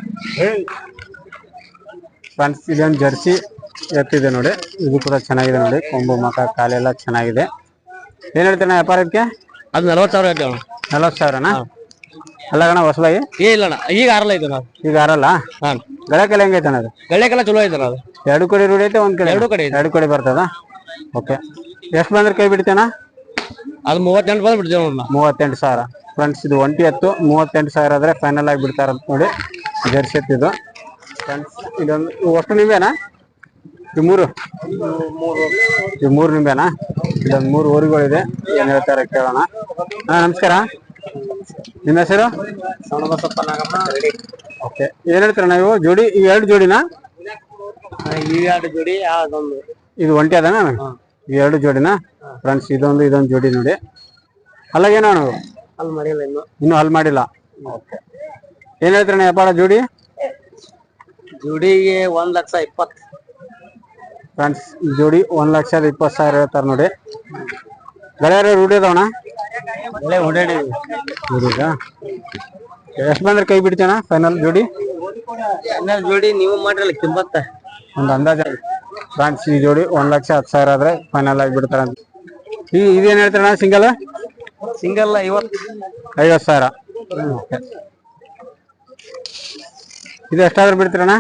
S1: ಫ್ರೆಂಡ್ಸ್. ಇದೊಂದು ಜರ್ಸಿ ಎತ್ತಿದೆ ನೋಡಿ. ಇದು ಕೂಡ ಚೆನ್ನಾಗಿದೆ ನೋಡಿ. ಕೊಂಬು ಮಕ ಕಾಲೆಲ್ಲ ಚೆನ್ನಾಗಿದೆ. ಏನ್ ಹೇಳ್ತೇನೆ ವ್ಯಾಪಾರಕ್ಕೆ?
S2: ಅದು ನಲ್ವತ್ತು ಸಾವಿರ ಹೇಳ್ತೇವೆ.
S1: ನಲ್ವತ್ತು ಸಾವಿರನಾ? ಅಲ್ಲಗಣ ಹೊಸಬಾಯಿ?
S2: ಏ ಇಲ್ಲ ಈಗ ಆರಲ್ಲ ಐತೆ ನಾವು.
S1: ಈಗ ಆರಲ್ಲ? ಹಾ. ಗಳಕ್ಕೆಲ್ಲ ಹೆಂಗೈತೆ ಅದು?
S2: ಗಳ್ಳೆಗೆಲ್ಲ ಚಲೋ ಐತೆ ಅದು.
S1: ಎರಡು ಕಡೆ ರೂಢಿ ಐತೆ ಒಂದ್ ಕಡೆ?
S2: ಎರಡು ಕಡೆ.
S1: ಎರಡು ಕಡೆ ಬರ್ತದ. ಓಕೆ. ಎಷ್ಟು ಬಂದ್ರೆ ಕೈ ಬಿಡ್ತೇನ?
S2: ಅದು ಮೂವತ್ತೆಂಟು ಬಂದ್ರೆ ಬಿಡ್ತೇವೆ ನೋಡ.
S1: ಮೂವತ್ತೆಂಟು ಸಾವಿರ. ಫ್ರೆಂಡ್ಸ್. ಇದು ಒಂಟಿ ಎತ್ತು. ಮೂವತ್ತೆಂಟು ಸಾವಿರ ಆದ್ರೆ ಫೈನಲ್ ಆಗಿ ಬಿಡ್ತಾರ ನೋಡಿ. ಜರ್ಸಿ ಎತ್ತಿದ್ದು. ಫ್ರೆಂಡ್ಸ್. ಇದೊಂದು ಒಟ್ಟು ನಿಂಬೆನಾ? ಈ ಮೂರು ಈ ಮೂರು ನಿಂಬೆನಾ? ಇದೊಂದು ಮೂರು ಊರುಗಳಿದೆ. ಏನ್ ಹೇಳ್ತಾರೆ ಕೇಳೋಣ. ಹಾ ನಮಸ್ಕಾರ. ನಿಮ್ಮ ಹೆಸರು?
S2: ಸಣ್ಣಬಸಪ್ಪ ನಾಗಮ್ಮ ರೆಡಿ.
S1: ಓಕೆ, ಏನ್ ಹೇಳ್ತೀರ ನೀವು ಜೋಡಿ? ಈ ಎರಡು ಜೋಡಿನಾ?
S2: ಈ ಎರಡು ಜೋಡಿ ಅದೊಂದು
S1: ಇದು ಒಂಟಿ ಅದನಾ? ಈ ಎರಡು ಜೋಡಿನಾ ಫ್ರೆಂಡ್ಸ್? ಇದೊಂದು ಇದೊಂದು ಜೋಡಿ ನೋಡಿ. ಅಲ್ಲಾಗೇನೋ ನಾವು
S2: ಅಲ್ಲಿ ಮಾಡಿಲ್ಲ ಇನ್ನು
S1: ಇನ್ನು ಹಲ್ ಮಾಡಿಲ್ಲ. ಓಕೆ, ಏನ್ ಹೇಳ್ತೀರಣ್ಣ ವ್ಯಾಪಾರ ಜೋಡಿ?
S2: ಜೋಡಿಗೆ ಒಂದ್ ಲಕ್ಷ ಇಪ್ಪತ್ತು.
S1: ಫ್ರೆಂಡ್ಸ್ ಈ ಜೋಡಿ ಒಂದ್ ಲಕ್ಷದ ಇಪ್ಪತ್ತು ಸಾವಿರ ಹೇಳ್ತಾರ ನೋಡಿ. ಗೆಳೆಯರು ರೂಢಿ ಅದಾವಣ?
S2: ಒಳ್ಳೆ ಓಡಾಡಿ
S1: ರೂಢಿಗ ಎಷ್ಟು ಬಂದ್ರೆ ಕೈ ಬಿಡ್ತೇನ ಫೈನಲ್ ಜೋಡಿ?
S2: ಹನ್ನೆರಡು ಜೋಡಿ ನೀವು ಮಾಡ್ರಲ್ಲ ಕಿಂಬತ್ತ
S1: ಒಂದು ಅಂದಾಜ. ಫ್ರೆಂಡ್ಸ್ ಈ ಜೋಡಿ ಒಂದ್ ಲಕ್ಷ ಹತ್ತು ಸಾವಿರ ಆದ್ರೆ ಫೈನಲ್ ಆಗಿ ಬಿಡ್ತಾರ. ಈ ಇದೇನ್ ಹೇಳ್ತಾರಣ್ಣ ಸಿಂಗಲ್?
S2: ಸಿಂಗಲ್ ಐವತ್ತು
S1: ಐವತ್ತು ಸಾವಿರ. ಇದು ಎಷ್ಟಾದ್ರೂ ಬಿಡ್ತೀರಣ್ಣ?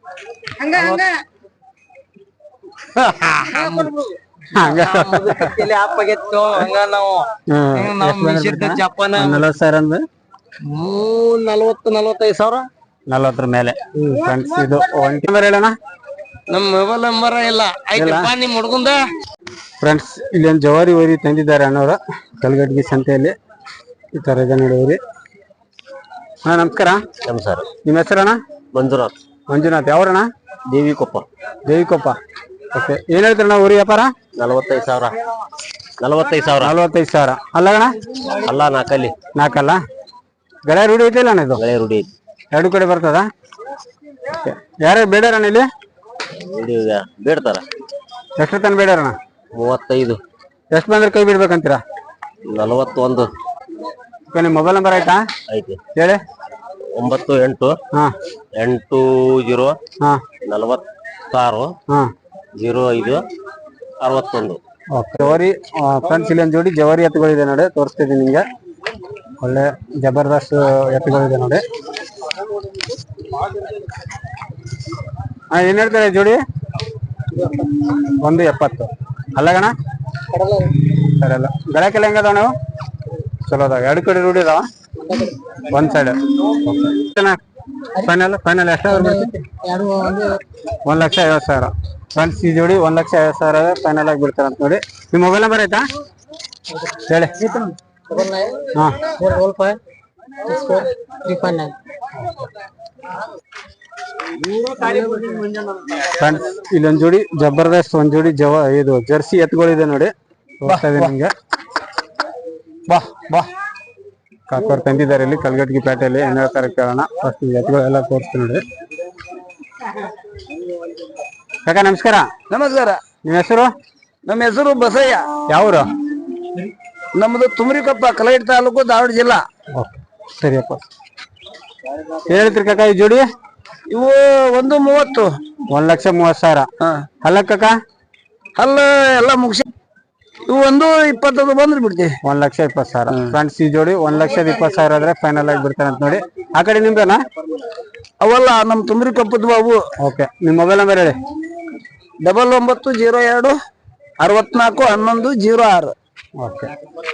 S1: ನಲವತ್ತು ಸಾವಿರ ಅಂದ್ರೆ
S2: ನಲ್ವತ್ತು ನಲ್ವತ್ತೈದು ಸಾವಿರ
S1: ನಲ್ವತ್ತರ ಮೇಲೆ. ಫ್ರೆಂಡ್ಸ್ ಇದು ಒಂಟಿ ನಂಬರ್ ಹೇಳಣ್ಣ?
S2: ನಮ್ ಮೊಬೈಲ್ ನಂಬರ್ ಇಲ್ಲ. ಆಯ್ತಪ್ಪ ನಿಮ್ ಹುಡ್ಗುಂದ.
S1: ಫ್ರೆಂಡ್ಸ್ ಇಲ್ಲಿ ಒಂದು ಜವಾರಿ ಓರಿ ತಂದಿದ್ದಾರೆ ಅಣ್ಣವ್ರ ಕಲ್ಗಡ್ಗಿ ಸಂತೆಯಲ್ಲಿ. ಈ ತರ ಇದೆ ನೋಡಿ ಓರಿ. ಅಣ್ಣ ನಮಸ್ಕಾರ.
S2: ನಮಸ್ಕಾರ.
S1: ನಿಮ್ಮ ಹೆಸರಣ್ಣ?
S2: ಮಂಜುನಾಥ್.
S1: ಮಂಜುನಾಥ್. ಯಾವ್ರಣ್ಣ?
S2: ದೇವಿಕೊಪ್ಪ.
S1: ದೇವಿಕೊಪ್ಪ. ಓಕೆ, ಏನ್ ಹೇಳ್ತೀರಣ್ಣ ಊರಿ ವ್ಯಾಪಾರ?
S2: ನಲವತ್ತೈದು ಸಾವಿರ. ನಲವತ್ತೈದು ಸಾವಿರ.
S1: ನಲವತ್ತೈದು ಸಾವಿರ ಅಲ್ಲಗಣ?
S2: ಅಲ್ಲ ನಾಲ್ಕಲ್ಲಿ.
S1: ನಾಲ್ಕಲ್ಲ? ಗಳೆ ರೂಢಿ ಐತಿಲ್ಲ ಅಣ್ಣ ಇದು?
S2: ಗಳೆ ರೂಢಿ ಐತಿ.
S1: ಎರಡು ಕಡೆ ಬರ್ತದ? ಯಾರ್ಯಾರು ಬೇಡಾರಣ್ಣ ಇಲ್ಲಿ?
S2: ಬೇಡ್ತಾರ.
S1: ಎಷ್ಟು ತನ ಬೇಡಾರಣ್ಣ?
S2: ಮೂವತ್ತೈದು.
S1: ಎಷ್ಟು ಬಂದ್ರೆ ಕೈ ಬಿಡ್ಬೇಕಂತೀರಾ?
S2: ನಲವತ್ತೊಂದು.
S1: ನಿಮ್ಮ ಮೊಬೈಲ್ ನಂಬರ್ ಆಯ್ತಾ?
S2: ಐತಿ
S1: ಹೇಳಿ.
S2: ಒಂಬತ್ತು ಎಂಟು
S1: ಹಾ
S2: ಎಂಟು ಜೀರೋ
S1: ಹಾ
S2: ನಲವತ್ತಾರು
S1: ಹಾ
S2: ಜೀರೋ ಐದು ಅರವತ್ತೊಂದು.
S1: ಜವಾರಿ ಫ್ರೆಂಡ್ಸ್ ಇಲ್ಲಿ ಒಂದು ಜೋಡಿ ಜವಾರಿ ಎತ್ತುಗಳಿದೆ ನೋಡಿ, ತೋರಿಸ್ತಿದ್ದೀನಿ ನಿಮ್ಗೆ. ಒಳ್ಳೆ ಜಬರ್ದಸ್ತ್ ಎತ್ತುಗಳಿದೆ ನೋಡಿ. ಹಾ ಏನ್ ಹೇಳ್ತಾರೆ ಜೋಡಿ? ಒಂದು ಎಪ್ಪತ್ತು. ಅಲ್ಲಗಣ? ಸರಿ ಅಲ್ಲ. ಗಳಕ್ಕೆಲ್ಲ ಹೆಂಗದಾವ ನಾವು? ಚಲೋ ಅದಾವ. ಎರಡು ಕಡೆ ರೂಢಿ ಅದಾವ? ಒಂದ್ ಸೈಡ್. ಫೈನಲ್ ಫೈನಲ್ ಎಷ್ಟಾದ್ರು ಒಂದ್ ಲಕ್ಷ ಐವತ್ತು ಸಾವಿರ. ಫ್ರೆಂಡ್ಸ್ ಈ ಜೋಡಿ ಒಂದ್ ಲಕ್ಷ ಐವತ್ತು ಸಾವಿರ ಫೈನಲ್ ಆಗಿ ಬಿಡ್ತಾರ ಅಂತ ನೋಡಿ. ನಿಮ್ ಮೊಬೈಲ್ ನಂಬರ್ ಆಯ್ತಾ ಹೇಳಿ? ಹಾ ಫ್ರೆಂಡ್ಸ್ ಇಲ್ಲೊಂದ್ ಜೋಡಿ ಜಬರ್ದಸ್ತ್ ಒಂದ್ ಜೋಡಿ ಜವ ಇದು ಜರ್ಸಿ ಎತ್ತುಗಳಿದೆ ನೋಡಿ, ತೋರಿಸ್ತಾ ಇದೆ ನಿಮ್ಗೆ. ಬಾ ಬಾ ಕಾಕೋರ್ ತಂದಿದ್ದಾರೆ ಇಲ್ಲಿ ಕಲ್ಗಟ್ಟಿ ಪೇಟೆಯಲ್ಲಿ. ಏನ್ ಹೇಳ್ತಾರೆ ಕೇಳೋಣ. ಫಸ್ಟ್ ಎತ್ತುಗಳೆಲ್ಲ ತೋರಿಸ್ತೀನಿ ನೋಡಿ. ಕಾಕ ನಮಸ್ಕಾರ.
S2: ನಮಸ್ಕಾರ.
S1: ನಿಮ್ಮ ಹೆಸರು?
S2: ನಮ್ಮ ಹೆಸರು ಬಸಯ್ಯ.
S1: ಯಾವ್ರು?
S2: ನಮ್ದು ತುಮರಿಕೊಪ್ಪ, ಕಲಗಟ್ಟಿ ತಾಲೂಕು, ಧಾರವಾಡ ಜಿಲ್ಲಾ.
S1: ಸರಿಯಪ್ಪ. ಏನ್ ಹೇಳ್ತೀರಿ ಕಾಕ ಈ ಜೋಡಿ?
S2: ಇವು ಒಂದು ಮೂವತ್ತು.
S1: ಒಂದ್ ಲಕ್ಷ ಮೂವತ್ ಸಾವಿರ. ಅಲ್ಲ ಕಾಕ?
S2: ಅಲ್ಲ ಎಲ್ಲ ಮುಗಿಸಿ ಇವು ಒಂದು ಇಪ್ಪತ್ತೊಂದು ಬಂದ್ರೆ ಬಿಡ್ತೀವಿ.
S1: ಒಂದ್ ಲಕ್ಷ ಇಪ್ಪತ್ತು ಸಾವಿರ. ಫ್ರೆಂಡ್ಸ್ ಈ ಜೋಡಿ ಒಂದ್ ಲಕ್ಷದ ಇಪ್ಪತ್ತು ಸಾವಿರ ಆದ್ರೆ ಫೈನಲ್ ಆಗಿ ಬಿಡ್ತಾರೆ ಅಂತ ನೋಡಿ. ಆ ಕಡೆ ನಿಮ್ದೇನಾ?
S2: ಅವಲ್ಲ ನಮ್ ತುಮರಿ ಕಪ್ಪದ್ವು ಅವು.
S1: ಓಕೆ, ನಿಮ್ ಮೊಬೈಲ್ ನಂಬರ್ ಹೇಳಿ?
S2: ಡಬಲ್ ಒಂಬತ್ತು ಜೀರೋ ಎರಡು ಅರವತ್ನಾಲ್ಕು ಹನ್ನೊಂದು ಜೀರೋ ಆರು.
S1: ಓಕೆ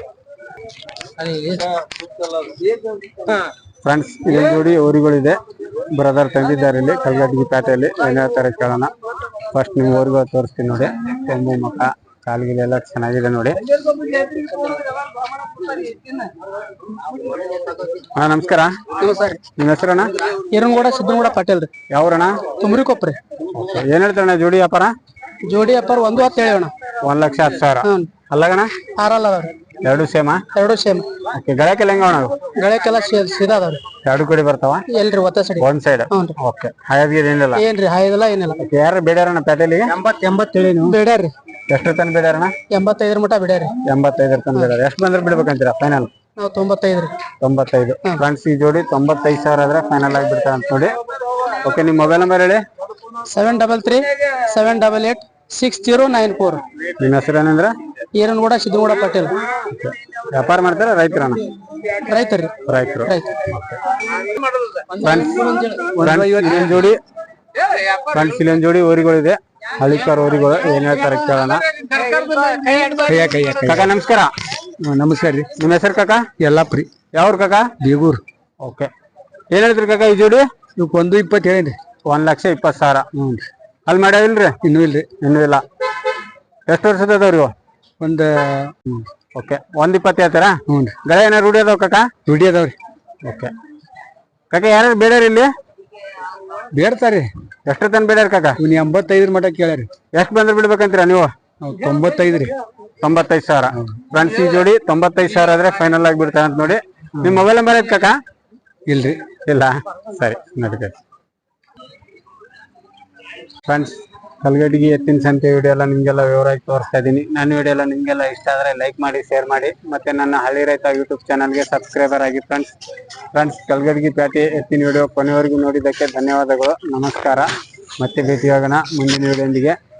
S1: ಫ್ರೆಂಡ್ಸ್ ಇಲ್ಲಿ ಜೋಡಿ ಊರುಗಳಿದೆ, ಬ್ರದರ್ ತಂದಿದ್ದಾರೆ ಇಲ್ಲಿ ಕಲ್ಗಟ್ಟಿ ಪೇಟೆಯಲ್ಲಿ. ಏನ್ ಹೇಳ್ತಾರೆ ಕೇಳೋಣ. ಫಸ್ಟ್ ನಿಮ್ ಊರುಗಳು ತೋರಿಸ್ತೀನಿ ನೋಡಿ. ಕೊಂಬು ಮಕ ಕಾಲ್ಗಿಲೆಲ್ಲ ಚೆನ್ನಾಗಿದೆ ನೋಡಿ. ಹಾ ನಮಸ್ಕಾರ. ನಿಮ್ ಹೆಸರಣ್ಣ?
S2: ಹಿರನಗೌಡ ಸಿದ್ದನಗೌಡ ಪಾಟೀಲ್ ರೀ.
S1: ಯಾವ್ರಣ್ಣ?
S2: ತುಮರಿಕೊಪ್ರಿ.
S1: ಏನ್ ಹೇಳ್ತಾರಣ್ಣ ಜೋಡಿ ವ್ಯಾಪಾರ?
S2: ಜೋಡಿ ವ್ಯಾಪಾರ ಒಂದು ಹತ್ತು ಹೇಳೋಣ.
S1: ಒಂದ್ ಲಕ್ಷ ಹತ್ತು ಸಾವಿರ. ಅಲ್ಲಗಣ?
S2: ಆರಲ್ಲ ಅದಾವ್ರಿ.
S1: ಎರಡು ಸೇಮಾ?
S2: ಎರಡು ಸೇಮ್.
S1: ಓಕೆ, ಗಳಕ್ಕೆಲ್ಲ ಹೆಂಗ ಅಣ್ಣ?
S2: ಗಳಕ್ಕೆಲ್ಲ ಸೀದಾ ಅದಾವ್ರಿ.
S1: ಎರಡು ಕಡೆ ಬರ್ತಾವ?
S2: ಎಲ್ರಿ ಒತ್ತ ಸೈಡ್
S1: ಒಂದ್ ಸೈಡ್. ಓಕೆ, ಹಾಯಾದ್ಗೀರ್ ಏನಿಲ್ಲ?
S2: ಏನ್ರಿ ಹಾಯದಿಲ್ಲ ಏನಿಲ್ಲ.
S1: ಯಾರು ಬೇಡ್ಯಾರಣ್ಣ ಪೇಟೆಲಿಗೆ?
S2: ಎಂಬತ್ ಎಂಬತ್ತೇಳಿ ನೀವು ಬೇಡ್ಯಾರ್ರಿ.
S1: ಎಷ್ಟು ತನ ಬೇಡ್ಯಾರಣ್ಣ?
S2: ಎಂಬತ್ತೈದರ ಮಟ ಬಿಡ್ಯಾರಿ.
S1: ಎಂಬತ್ತೈದರ ತನ ಬೇಡ್ಯಾರ. ಎಷ್ಟು ಬಂದ್ರೆ ಬಿಡ್ಬೇಕಂತೀರಾ ಫೈನಲ್?
S2: ನಾವು ತೊಂಬತ್ತೈದ್ರಿ.
S1: ತೊಂಬತ್ತೈದು. ಫ್ರೆಂಡ್ಸ್ ಈ ಜೋಡಿ ತೊಂಬತ್ತೈದು ಸಾವಿರ ಆದ್ರೆ ಫೈನಲ್ ಆಗಿ ಬಿಡ್ತಾರೆ ಅಂತ ನೋಡಿ. ಓಕೆ, ನಿಮ್ ಮೊಬೈಲ್ ನಂಬರ್ ಹೇಳಿ?
S2: Seven double three seven double eight six zero nine four.
S1: ನಿಮ್ಮ ಹೆಸರು ಏನಂದ್ರೆ?
S2: ಹಿರನಗೌಡ ಸಿದ್ದನಗೌಡ ಪಾಟೀಲ್.
S1: ವ್ಯಾಪಾರ ಮಾಡ್ತಾರ ರೈತರಣ್ಣ?
S2: ರೈತರಿ.
S1: ರೈತರು.
S2: ರೈತ.
S1: ಇಲ್ಲೊಂದ್ ಜೋಡಿ ಫ್ರೆಂಡ್ಸ್ ಇಲ್ಲೊಂದ್ ಜೋಡಿ ಊರುಗಳಿದೆ, ಹಳಿಕಾರ್ ಊರುಗಳು. ಏನ್ ಹೇಳ್ತಾರೆ ಕೇಳೋಣ. ಕಾಕ ನಮಸ್ಕಾರ.
S2: ನಮಸ್ಕಾರ ರೀ.
S1: ನಿಮ್ಮ ಹೆಸರು ಕಾಕ?
S2: ಯಲ್ಲಾಪ್ರಿ.
S1: ಯಾವ್ರು ಕಾಕ?
S2: ಬೀಗೂರ್.
S1: ಓಕೆ, ಏನ್ ಹೇಳ್ತೀರಿ ಕಾಕ ಈ ಜೋಡಿ?
S2: ಇವಕ್ ಒಂದು ಇಪ್ಪತ್ತು ಹೇಳಿ.
S1: ಒಂದ್ ಲಕ್ಷ ಇಪ್ಪತ್ತು ಸಾವಿರ.
S2: ಹ್ಞೂ
S1: ಅಲ್ಲಿ ಮಾಡ್ಯಾವಿಲ್ರಿ?
S2: ಇನ್ನೂ ಇಲ್ರಿ.
S1: ಇನ್ನೂ ಇಲ್ಲ. ಎಷ್ಟು ವರ್ಷದ ಅದಾವ್ರಿ?
S2: ಒಂದು
S1: ಓಕೆ ಒಂದ್ ಇಪ್ಪತ್ತು ಹೇಳ್ತೀರಾ
S2: ಹ್ಞೂ ರೀ
S1: ಗಳೆ ಏನಾರ ರೂಢಿ ಅದಾವ ಕಾಕ
S2: ದುಡಿ ಅದಾವ್ರಿ
S1: ಓಕೆ ಕಾಕ ಯಾರು ಬೇಡ್ಯಾರ ಇಲ್ಲಿ
S2: ಬೇಡ್ತಾರಿ
S1: ಎಷ್ಟು ತನ ಬೇಡ್ಯಾರ ಕಾಕ
S2: ಇವ್ನು ಎಂಬತ್ತೈದರ ಮಟ ಕೇಳ್ಯಾರಿ
S1: ಎಷ್ಟು ಬಂದ್ರೆ ಬಿಡ್ಬೇಕಂತೀರಾ ನೀವು
S2: ಅವ್ರು ತೊಂಬತ್ತೈದು ರೀ
S1: ತೊಂಬತ್ತೈದು ಸಾವಿರ ಫ್ರೆಂಡ್ಸ್ ಈ ಜೋಡಿ ತೊಂಬತ್ತೈದು ಸಾವಿರ ಆದ್ರೆ ಫೈನಲ್ ಆಗಿ ಬಿಡ್ತಾರೆ ಅಂತ ನೋಡಿ ನಿಮ್ ಮೊಬೈಲ್ ನಂಬರ್ ಐತ್ ಕಾಕ
S2: ಇಲ್ರಿ
S1: ಇಲ್ಲ ಸರಿ ನಡೀತೈತೆ ಫ್ರೆಂಡ್ಸ್ ಕಲ್ಗಡಿಗೆ ಎತ್ತಿನ ಸಂತೆ ವಿಡಿಯೋ ಎಲ್ಲ ನಿಮ್ಗೆಲ್ಲ ವಿವರವಾಗಿ ತೋರಿಸ್ತಾ ಇದ್ದೀನಿ ನನ್ನ ವಿಡಿಯೋ ಎಲ್ಲ ನಿಮ್ಗೆಲ್ಲ ಇಷ್ಟ ಆದ್ರೆ ಲೈಕ್ ಮಾಡಿ ಶೇರ್ ಮಾಡಿ ಮತ್ತೆ ನನ್ನ ಹಳ್ಳಿ ರೈತ ಯೂಟ್ಯೂಬ್ ಚಾನಲ್ಗೆ ಸಬ್ಸ್ಕ್ರೈಬರ್ ಆಗಿ ಫ್ರೆಂಡ್ಸ್ ಫ್ರೆಂಡ್ಸ್ ಕಲ್ಗಡಿಗೆ ಪ್ಯಾಟಿ ಎತ್ತಿನ ವಿಡಿಯೋ ಕೊನೆವರೆಗೂ ನೋಡಿದ್ದಕ್ಕೆ ಧನ್ಯವಾದಗಳು ನಮಸ್ಕಾರ ಮತ್ತೆ ಭೇಟಿಯಾಗೋಣ ಮುಂದಿನ ವಿಡಿಯೋದೊಂದಿಗೆ